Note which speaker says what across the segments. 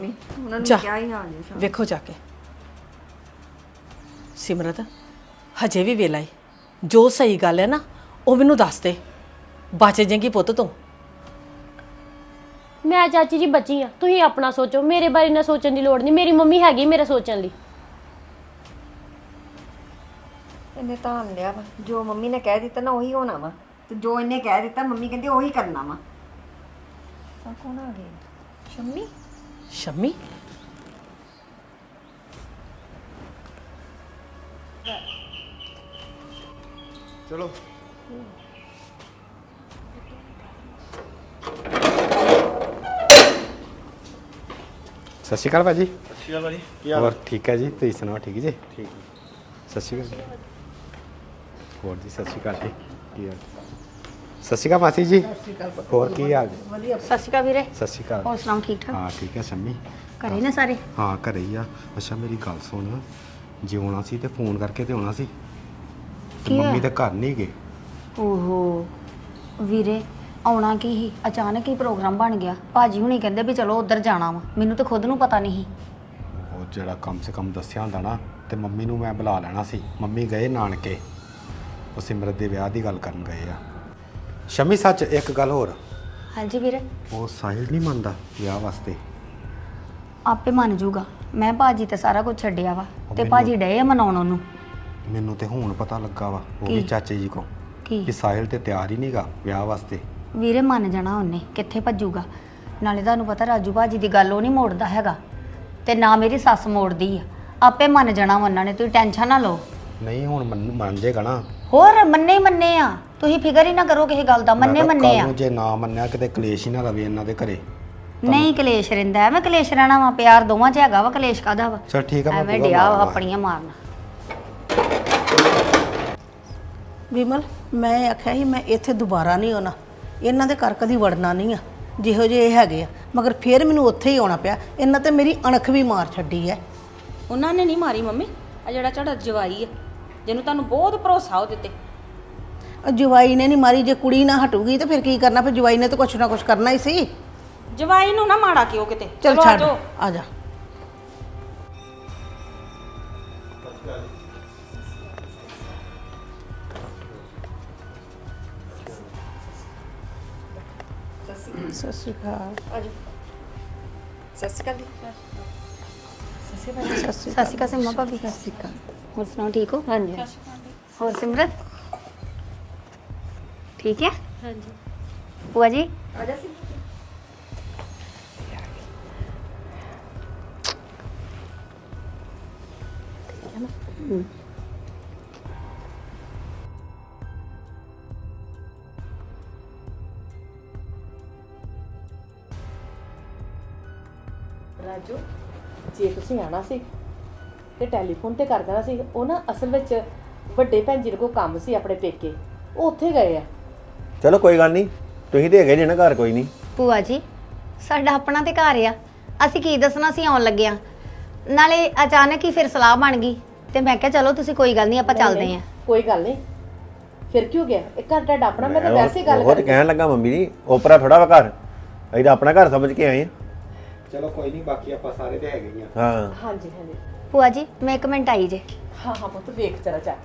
Speaker 1: ਉਹਨਾਂ ਨੂੰ
Speaker 2: ਜਾ
Speaker 1: ਕਿਹਾ ਹੀ ਹਾਲ ਨਹੀਂ
Speaker 2: ਵੇਖੋ ਜਾ ਕੇ ਸਿਮਰਤ ਹਜੇ ਵੀ ਵੇਲਾ ਏ ਜੋ ਸਹੀ ਗੱਲ ਹੈ ਨਾ ਉਹ ਮੈਨੂੰ ਦੱਸ ਦੇ ਬਚ ਜਾਏਗੀ ਪੁੱਤ ਤੂੰ
Speaker 3: ਮੈਂ ਚਾਚੀ ਜੀ ਬੱਚੀ ਆ ਤੁਸੀਂ ਆਪਣਾ ਸੋਚੋ ਮੇਰੇ ਬਾਰੇ ਨਾ ਸੋਚਣ ਦੀ ਲੋੜ ਨਹੀਂ ਮੇਰੀ ਮੰਮੀ ਹੈਗੀ ਮੇਰੇ ਸੋਚਣ ਲਈ
Speaker 1: ਇਹਨੇ ਤਾਂ ਲਿਆ ਵਾ ਜੋ ਮੰਮੀ ਨੇ ਕਹਿ ਦਿੱਤਾ ਨਾ ਉਹੀ ਹੋਣਾ ਵਾ ਤੇ ਜੋ ਇਹਨੇ ਕਹਿ ਦਿੱਤਾ ਮੰਮੀ ਕਹਿੰਦੀ ਉਹੀ ਕਰਨਾ ਵਾ ਆ ਕੌਣ ਆ ਗਿਆ ਸ਼ੰਮੀ
Speaker 2: ਸ਼ੰਮੀ
Speaker 4: ਚਲੋ ਸਤਿ ਸ਼੍ਰੀ ਅਕਾਲ ਭਾਜੀ।
Speaker 5: ਸਤਿ ਸ਼੍ਰੀ ਅਕਾਲ ਭਾਜੀ ਕੀ ਹਾਲ
Speaker 4: ਹੋਰ ਠੀਕ ਹੈ ਜੀ, ਤੁਸੀਂ ਸੁਣਾਓ ਠੀਕ ਜੀ?
Speaker 5: ਠੀਕ
Speaker 4: ਸਤਿ ਸ਼੍ਰੀ ਅਕਾਲ। ਹੋਰ ਜੀ ਸਤਿ ਸ਼੍ਰੀ ਅਕਾਲ ਜੀ, ਕੀ ਹਾਲ? ਸਤਿ ਸ਼੍ਰੀ ਅਕਾਲ ਮਾਸੀ ਜੀ। ਹੋਰ ਕੀ ਹਾਲ?
Speaker 3: ਸਤਿ ਸ਼੍ਰੀ ਅਕਾਲ ਵੀਰੇ
Speaker 4: ਸਤਿ ਸ਼੍ਰੀ ਅਕਾਲ।
Speaker 3: ਹੋਰ ਸੁਣਾਓ ਠੀਕ ਠਾਕ
Speaker 4: ਹਾਂ ਠੀਕ ਹੈ ਸ਼ੰਮੀ।
Speaker 3: ਘਰੇ ਨੇ ਸਾਰੇ
Speaker 4: ਹਾਂ ਘਰੇ ਹੀ ਆ। ਅੱਛਾ ਮੇਰੀ ਗੱਲ ਸੁਣ, ਜੇ ਆਉਣਾ ਸੀ ਤੇ ਫੋਨ ਕਰਕੇ ਤੇ ਆਉਣਾ ਸੀ ਤੇ
Speaker 3: ਕੀ
Speaker 4: ਮੰਮੀ
Speaker 3: ਹੋਇਆ?
Speaker 4: ਤਾਂ ਘਰ ਨਹੀਂ ਗਏ।
Speaker 6: ਓਹੋ ਵੀਰੇ ਆਉਣਾ ਕੀ ਹੀ ਅਚਾਨਕ ਹੀ ਪ੍ਰੋਗਰਾਮ ਬਣ ਗਿਆ। ਭਾਜੀ ਹੁਣੀ ਕਹਿੰਦੇ ਵੀ ਚਲੋ ਉੱਧਰ ਜਾਣਾ ਵਾ, ਮੈਨੂੰ ਤਾਂ ਖੁਦ ਨੂੰ ਪਤਾ ਨਹੀਂ ਸੀ।
Speaker 4: ਉਹ ਜਿਹੜਾ ਕਮ ਸੇ ਕਮ ਦੱਸਿਆ ਹੁੰਦਾ ਨਾ ਤੇ ਮੰਮੀ ਨੂੰ ਮੈਂ ਬੁਲਾ ਲੈਣਾ ਸੀ। ਮੰਮੀ ਗਏ ਨਾਨਕੇ, ਉਹ ਸਿਮਰਤ ਦੇ ਵਿਆਹ ਦੀ ਗੱਲ ਕਰਨ ਗਏ ਆ। ਸ਼ਮੀ ਸੱਚ ਇੱਕ ਗੱਲ ਹੋਰ,
Speaker 6: ਹਾਂਜੀ ਵੀਰੇ
Speaker 4: ਉਹ ਸਾਹਿਲ ਨਹੀਂ ਮੰਨਦਾ ਵਿਆਹ ਵਾਸਤੇ।
Speaker 6: ਆਪੇ ਮੰਨ ਜੂਗਾ। ਮੈਂ ਭਾਜੀ ਤੇ ਸਾਰਾ ਕੁਝ ਛੱਡਿਆ ਵਾ ਤੇ
Speaker 4: ਮੈਨੂੰ-
Speaker 6: ਭਾਜੀ ਡਏ ਆ ਮਨਾਉਣ ਉਹਨੂੰ।
Speaker 4: ਮੈਨੂੰ ਤੇ ਹੁਣ ਪਤਾ ਲੱਗਾ ਵਾ ਉਹ ਵੀ
Speaker 6: ਕੀ?
Speaker 4: ਚਾਚੇ ਜੀ ਕੋ
Speaker 6: ਕੀ
Speaker 4: ਕਿ ਸਾਹਿਲ ਤੇ ਤਿਆਰ ਹੀ ਨਹੀਂਗਾ ਵਿਆਹ ਵਾਸਤੇ।
Speaker 6: ਵੀਰੇ ਮੰਨ ਜਾਣਾ ਉਹਨੇ, ਕਿੱਥੇ ਭੱਜੂਗਾ। ਨਾਲੇ ਤੁਹਾਨੂੰ ਪਤਾ ਰਾਜੂ ਭਾਜੀ ਦੀ ਗੱਲ ਉਹ ਨਹੀਂ ਮੋੜਦਾ ਹੈਗਾ ਤੇ ਨਾ ਮੇਰੀ ਸੱਸ ਮੋੜਦੀ ਆ। ਆਪੇ ਮੰਨ ਜਾਣਾ ਵਾ ਉਹਨਾਂ ਨੇ, ਤੁਸੀਂ ਟੈਨਸ਼ਨ ਨਾ ਲਓ।
Speaker 4: ਨਹੀਂ ਹੁਣ ਮੰਨ ਜੇਗਾ ਨਾ।
Speaker 6: ਹੋਰ ਮੰਨੇ ਹੀ ਮੰਨੇ ਆ, ਤੁਸੀਂ ਫਿਕਰ ਹੀ ਨਾ ਕਰੋ ਕਿਸੇ ਗੱਲ ਦਾ। ਮੰਨੇ
Speaker 4: ਮੈਂ ਕਿਹਾ
Speaker 6: ਮੰਨੇ
Speaker 4: ਕੱਲ੍ਹ
Speaker 6: ਆ।
Speaker 4: ਨੂੰ ਜੇ ਨਾ ਮੰਨਿਆ ਕਿਤੇ ਕਲੇਸ਼ ਹੀ ਨਾ ਰਵੇ ਇਹਨਾਂ ਦੇ ਘਰੇ।
Speaker 6: ਨਹੀਂ ਕਲੇਸ਼ ਰਹਿੰਦਾ, ਐਵੇਂ ਕਲੇਸ਼ ਰਹਿਣਾ ਵਾ? ਪਿਆਰ ਦੋਵਾਂ 'ਚ ਹੈਗਾ ਵਾ, ਕਲੇਸ਼ ਕਾਹਦਾ ਵਾ?
Speaker 4: ਚਲ ਠੀਕ ਆ, ਮੈਂ
Speaker 6: ਐਵੇਂ
Speaker 4: ਪੂਰਾ
Speaker 6: ਡਿਆ ਵਾ
Speaker 4: ਮਾਰਨਾ।
Speaker 6: ਆਪਣੀਆਂ ਮਾਰਨਾ।
Speaker 7: ਵਿਮਲ ਮੈਂ ਆਖਿਆ ਸੀ ਮੈਂ ਇੱਥੇ ਦੁਬਾਰਾ ਨਹੀਂ ਆਉਣਾ, ਇਹਨਾਂ ਦੇ ਘਰ ਕਦੀ ਵੜਨਾ ਨਹੀਂ ਆ ਜਿਹੋ ਜਿਹੇ ਇਹ ਹੈਗੇ ਆ, ਮਗਰ ਫਿਰ ਮੈਨੂੰ ਉੱਥੇ ਹੀ ਆਉਣਾ ਪਿਆ। ਇਹਨਾਂ ਤੇ ਮੇਰੀ ਅਣਖ ਵੀ ਮਾਰ ਛੱਡੀ ਹੈ।
Speaker 8: ਉਹਨਾਂ ਨੇ ਨਹੀਂ ਮਾਰੀ ਮੰਮੀ, ਆ ਜਿਹੜਾ ਤੁਹਾਡਾ ਜਵਾਈ ਆ ਜਿਹਨੂੰ ਤੁਹਾਨੂੰ ਬਹੁਤ ਭਰੋਸਾ ਉਹ ਦਿੱਤੇ।
Speaker 7: ਜਵਾਈ ਨੇ ਨਹੀਂ ਮਾਰੀ, ਜੇ ਕੁੜੀ ਨਾ ਹਟੂਗੀ ਤੇ ਫਿਰ ਕੀ ਕਰਨਾ? ਫਿਰ ਜਵਾਈ ਨੇ ਤਾਂ ਕੁਛ ਨਾ ਕੁਛ ਕਰਨਾ ਹੀ ਸੀ।
Speaker 8: ਜਵਾਈ ਨੂੰ ਨਾ ਮਾੜਾ ਕਿਉਂ ਕਿਤੇ।
Speaker 7: ਚਲ
Speaker 8: ਚਲੋ
Speaker 7: ਛੱਡ,
Speaker 8: ਆਜੋ।
Speaker 7: ਆ ਜਾ। ਸਤਿ ਸ਼੍ਰੀ ਅਕਾਲ।
Speaker 1: ਸਤਿ ਸ਼੍ਰੀ ਅਕਾਲ
Speaker 6: ਸਤਿ ਸ਼੍ਰੀ ਅਕਾਲ ਸਿੰਮਾ ਭਾਬੀ। ਸਤਿ ਸ਼੍ਰੀ ਅਕਾਲ। ਹੋਰ ਸੁਣਾਓ ਠੀਕ ਹੋ?
Speaker 3: ਹਾਂਜੀ
Speaker 6: ਹੋਰ ਸਿਮਰਤ ਠੀਕ ਹੈ?
Speaker 3: ਹਾਂਜੀ
Speaker 6: ਭੂਆ ਜੀ
Speaker 1: ਆ ਜਾ ਸੀ
Speaker 2: ਰਾਜੂ ਜੇ ਤੁਸੀਂ ਆਣਾ ਸੀ ਤੇ ਟੈਲੀਫੋਨ ਤੇ ਕਰ ਦੇਣਾ ਸੀ। ਉਹ ਨਾ ਅਸਲ ਵਿੱਚ ਵੱਡੇ ਭੈਣ ਜੀ ਕੋਲ ਕੰਮ ਸੀ ਆਪਣੇ ਪੇਕੇ, ਉਹ ਉੱਥੇ ਗਏ ਆ।
Speaker 5: ਚਲੋ ਕੋਈ ਗੱਲ ਨਹੀਂ, ਤੁਸੀਂ ਤੇ ਹੈਗੇ ਜੇ ਨਾ ਘਰ, ਕੋਈ ਨਹੀਂ।
Speaker 6: ਭੂਆ ਜੀ ਸਾਡਾ ਆਪਣਾ ਤੇ ਘਰ ਆ, ਅਸੀਂ ਕੀ ਦੱਸਣਾ ਸੀ ਆਉਣ ਲੱਗਿਆ। ਨਾਲੇ ਅਚਾਨਕ ਹੀ ਫਿਰ ਸਲਾਹ ਬਣ ਗਈ ਤੇ ਮੈਂ ਕਿਹਾ ਚਲੋ ਤੁਸੀਂ ਕੋਈ ਗੱਲ ਨਹੀਂ ਆਪਾਂ ਚੱਲਦੇ ਆਂ।
Speaker 2: ਕੋਈ ਗੱਲ ਨਹੀਂ, ਫਿਰ ਕਿਉਂ ਗਿਆ? ਇਹ ਘਰ ਤੁਹਾਡਾ ਆਪਣਾ, ਮੈਂ ਤਾਂ ਵੈਸੇ ਗੱਲ
Speaker 5: ਉਹ ਤੇ ਕਹਿਣ ਲੱਗਾ ਮੰਮੀ ਜੀ ਓਪਰਾ ਥੋੜਾ ਵਾ ਘਰ, ਅਸੀਂ ਤਾਂ ਆਪਣਾ ਘਰ ਸਮਝ ਕੇ ਆਏ
Speaker 4: ਚਲੋ ਕੋਈ ਨਹੀਂ, ਬਾਕੀ ਆਪਾਂ ਸਾਰੇ ਤੇ ਹੈਗੇ ਹੀ ਆ।
Speaker 5: ਆ। ਹਾਂ
Speaker 2: ਹਾਂਜੀ ਹਾਂਜੀ
Speaker 6: ਭੂਆ ਜੀ ਮੈਂ 1 ਮਿੰਟ ਆਈ ਜੇ।
Speaker 2: ਹਾਂ ਹਾਂ ਪੁੱਤ ਵੇਖ ਜਰਾ ਜਾ ਕੇ।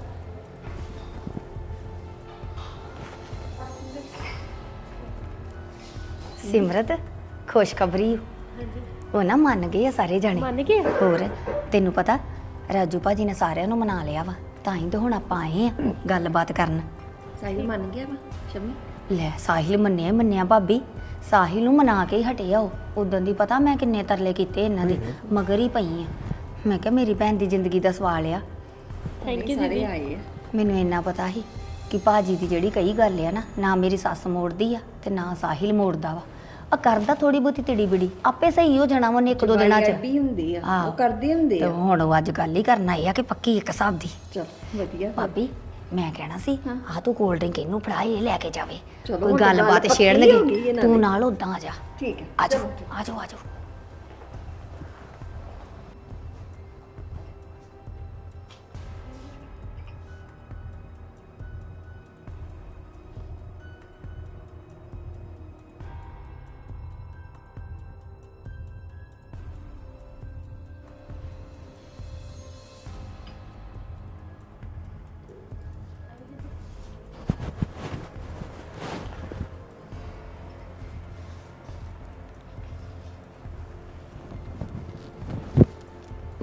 Speaker 6: ਸਿਮਰਤ ਖੁਸ਼ਖਬਰੀ ਉਹ ਨਾ ਮੰਨ ਗਏ ਆ ਸਾਰੇ ਜਾਣੇ।
Speaker 3: ਮੰਨ ਗਏ ਆ?
Speaker 6: ਹੋਰ ਤੈਨੂੰ ਪਤਾ ਰਾਜੂ ਭਾਜੀ ਨੇ ਸਾਰਿਆਂ ਨੂੰ ਮਨਾ ਲਿਆ ਵਾ, ਤਾਂ ਹੀ ਤਾਂ ਹੁਣ ਆਪਾਂ ਆਏ ਆ ਗੱਲਬਾਤ ਕਰਨ।
Speaker 1: ਸਾਹਿਲ ਮੰਨ ਗਿਆ ਵਾ ਸ਼ੰਮੀ।
Speaker 6: ਲੈ ਸਾਹਿਲ ਮੰਨਿਆ ਹੀ ਮੰਨਿਆ ਭਾਬੀ, ਸਾਹਿਲ ਨੂੰ ਮਨਾ ਕੇ ਹੀ ਹਟਿਆ ਉਹ। ਉਦੋਂ ਦੀ ਪਤਾ ਮੈਂ ਕਿੰਨੇ ਤਰਲੇ ਕੀਤੇ ਇਹਨਾਂ ਦੇ, ਮਗਰ ਹੀ ਪਈ ਆ। ਮੈਂ ਕਿਹਾ ਮੇਰੀ ਭੈਣ ਦੀ ਜ਼ਿੰਦਗੀ ਦਾ ਸਵਾਲ ਆ।
Speaker 3: ਥੈਂਕ ਯੂ
Speaker 1: ਸਾਰੇ
Speaker 3: ਦੀਦੀ।
Speaker 1: ਆਏ ਆ।
Speaker 6: ਮੈਨੂੰ ਇੰਨਾ ਪਤਾ ਸੀ ਕਿ ਭਾਜੀ ਦੀ ਜਿਹੜੀ ਕਈ ਗੱਲ ਆ ਨਾ ਮੇਰੀ ਸੱਸ ਮੋੜਦੀ ਆ ਤੇ ਨਾ ਸਾਹਿਲ ਮੋੜਦਾ ਵਾ। ਆ ਕਰਦਾ ਥੋੜੀ ਬਹੁਤੀ ਤਿੜੀ ਬਿੜੀ, ਆਪੇ ਸਹੀ ਹੋ ਜਾਣਾ ਉਹਨੇ 1-2 ਦਿਨਾਂ ਚ।
Speaker 1: ਵੀ ਹੁੰਦੀ ਆ,
Speaker 6: ਆਹੋ।
Speaker 1: ਉਹ ਕਰਦੇ ਹੁੰਦੇ
Speaker 6: ਤੇ
Speaker 1: ਆ।
Speaker 6: ਹੁਣ ਉਹ ਅੱਜ ਗੱਲ ਹੀ ਕਰਨ ਆਈ ਆ ਕਿ ਪੱਕੀ ਇੱਕ ਹਿਸਾਬ ਦੀ।
Speaker 1: ਚਲ ਵਧੀਆ।
Speaker 6: ਭਾਬੀ ਮੈਂ ਕਹਿਣਾ ਸੀ ਆ ਤੂੰ ਕੋਲਡ ਡਰਿੰਕ ਇਹਨੂੰ ਫੜਾ, ਇਹ ਲੈ ਕੇ ਜਾਵੇ।
Speaker 1: ਚਲੋ
Speaker 6: ਕੋਈ
Speaker 1: ਹੁਣ ਤਾਂ ਗੱਲ
Speaker 6: ਗੱਲਬਾਤ
Speaker 1: ਪੱਕੀ ਹੋ ਗਈ
Speaker 6: ਛੇੜਨਗੇ,
Speaker 1: ਇਹਨਾਂ
Speaker 6: ਤੂੰ
Speaker 1: ਦੀ।
Speaker 6: ਨਾਲ ਉਦਾਂ ਆ ਜਾ।
Speaker 1: ਠੀਕ ਹੈ
Speaker 6: ਆ ਜਾਓ ਆ ਜਾਓ ਆ ਜਾਓ।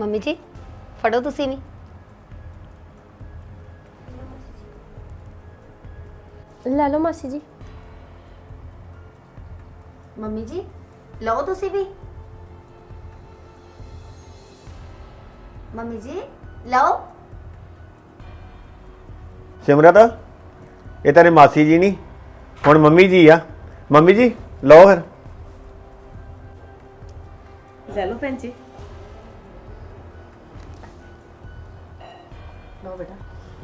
Speaker 6: ਮੰਮੀ ਜੀ ਫੜੋ ਤੁਸੀਂ ਵੀ।
Speaker 3: ਲੈ ਲਓ ਮਾਸੀ ਜੀ।
Speaker 6: ਮੰਮੀ ਜੀ ਲਓ ਤੁਸੀਂ ਵੀ। ਮੰਮੀ ਜੀ ਲਓ।
Speaker 5: ਸਿਮਰਤ ਇਹ ਤੇਰੇ ਮਾਸੀ ਜੀ ਨਹੀਂ ਹੁਣ ਮੰਮੀ ਜੀ ਆ। ਮੰਮੀ ਜੀ ਲਓ ਫਿਰ।
Speaker 2: ਲੈ ਲਓ ਭੈਣ ਜੀ। ਲਓ ਬੇਟਾ।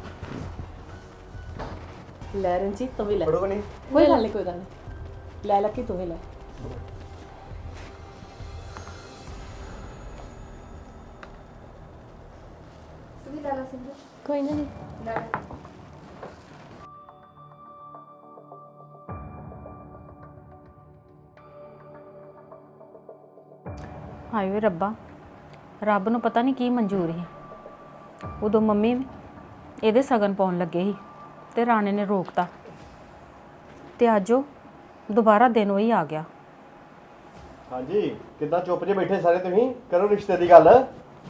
Speaker 2: ਲੈ ਰਣਜੀਤ ਤੂੰ ਵੀ ਲੈ।
Speaker 5: ਪੜੋਗੇ ਨਹੀਂ?
Speaker 2: ਕੋਈ ਗੱਲ ਨਹੀਂ, ਕੋਈ ਗੱਲ ਨਹੀਂ। ਲੈ ਲੱਕੀ ਤੂੰ ਵੀ ਲੈ।
Speaker 3: ਕੋਈ ਨਾ ਜੀ।
Speaker 8: ਹਾਏ ਵੇ ਰੱਬਾ, ਰੱਬ ਨੂੰ ਪਤਾ ਨਹੀਂ ਕੀ ਮਨਜ਼ੂਰ ਸੀ। ਉਦੋਂ ਮੰਮੀ ਇਹਦੇ ਸਗਨ ਪਾਉਣ ਲੱਗੇ ਸੀ ਤੇ ਰਾਣੇ ਨੇ ਰੋਕਤਾ ਤੇ ਅੱਜ ਉਹ ਦੁਬਾਰਾ ਦਿਨ ਉਹੀ ਆ ਗਿਆ।
Speaker 5: ਹਾਂਜੀ ਕਿੱਦਾਂ ਚੁੱਪ ਜੇ ਬੈਠੇ ਸਾਰੇ ਤੁਸੀਂ? ਕਰੋ ਰਿਸ਼ਤੇ ਦੀ ਗੱਲ।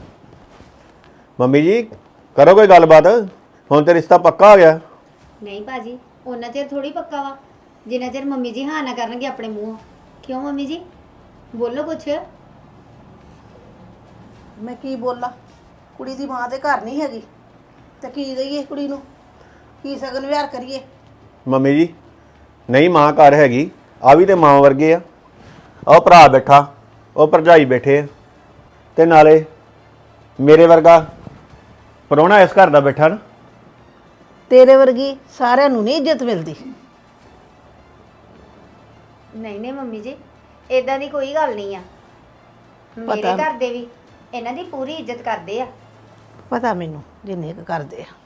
Speaker 5: ਮੰਮੀ ਜੀ ਕਰੋ ਕੋਈ ਗੱਲਬਾਤ। ਹੁਣ ਤੇ ਰਿਸ਼ਤਾ ਪੱਕਾ ਹੋ ਗਿਆ।
Speaker 6: ਨਹੀਂ ਭਾਜੀ ਉਹਨਾਂ ਚਿਰ ਥੋੜੀ ਪੱਕਾ ਵਾ ਜਿੰਨਾ ਚਿਰ ਮੰਮੀ ਜੀ ਹਾਂ ਨਾ ਕਰਨਗੇ ਆਪਣੇ ਮੂੰਹੋਂ। ਕਿਉਂ ਮੰਮੀ ਜੀ ਬੋਲੋ ਕੁਛ।
Speaker 7: ਮੈਂ ਕੀ ਬੋਲਾਂ? ਕੁੜੀ ਦੀ ਮਾਂ ਤੇ ਘਰ ਨਹੀਂ ਹੈਗੀ ਤੇ ਕੀ ਦਈਏ ਕੁੜੀ ਨੂੰ? ਕੀ ਸਗਨ ਵਿਹਾਰ ਕਰੀਏ?
Speaker 5: ਮੰਮੀ ਜੀ ਨਹੀਂ ਮਾਂ ਘਰ ਹੈਗੀ, ਆ ਵੀ ਤੇ ਮਾਂ ਵਰਗੇ ਆ। ਉਹ ਭਰਾ ਬੈਠਾ, ਉਹ ਭਰਜਾਈ ਬੈਠੇ ਆ, ਤੇ ਨਾਲੇ ਮੇਰੇ ਵਰਗਾ ਪ੍ਰਾਹੁਣਾ ਇਸ ਘਰ ਦਾ ਬੈਠਾ ਨਾ।
Speaker 7: ਤੇਰੇ ਵਰਗੀ ਸਾਰਿਆਂ ਨੂੰ ਨਹੀਂ ਇੱਜ਼ਤ ਮਿਲਦੀ।
Speaker 6: ਨਹੀਂ ਨਹੀਂ ਮੰਮੀ ਜੀ ਇਦਾਂ ਦੀ ਕੋਈ ਗੱਲ ਨਹੀਂ ਆ। ਮੇਰੇ
Speaker 7: ਪਤਾ-
Speaker 6: ਘਰ ਦੇ ਵੀ ਇਹਨਾਂ ਦੀ ਪੂਰੀ ਇੱਜ਼ਤ ਕਰਦੇ ਆ।
Speaker 7: ਪਤਾ ਮੈਨੂੰ ਜਿੰਨੇ ਕੁ ਕਰਦੇ ਆ।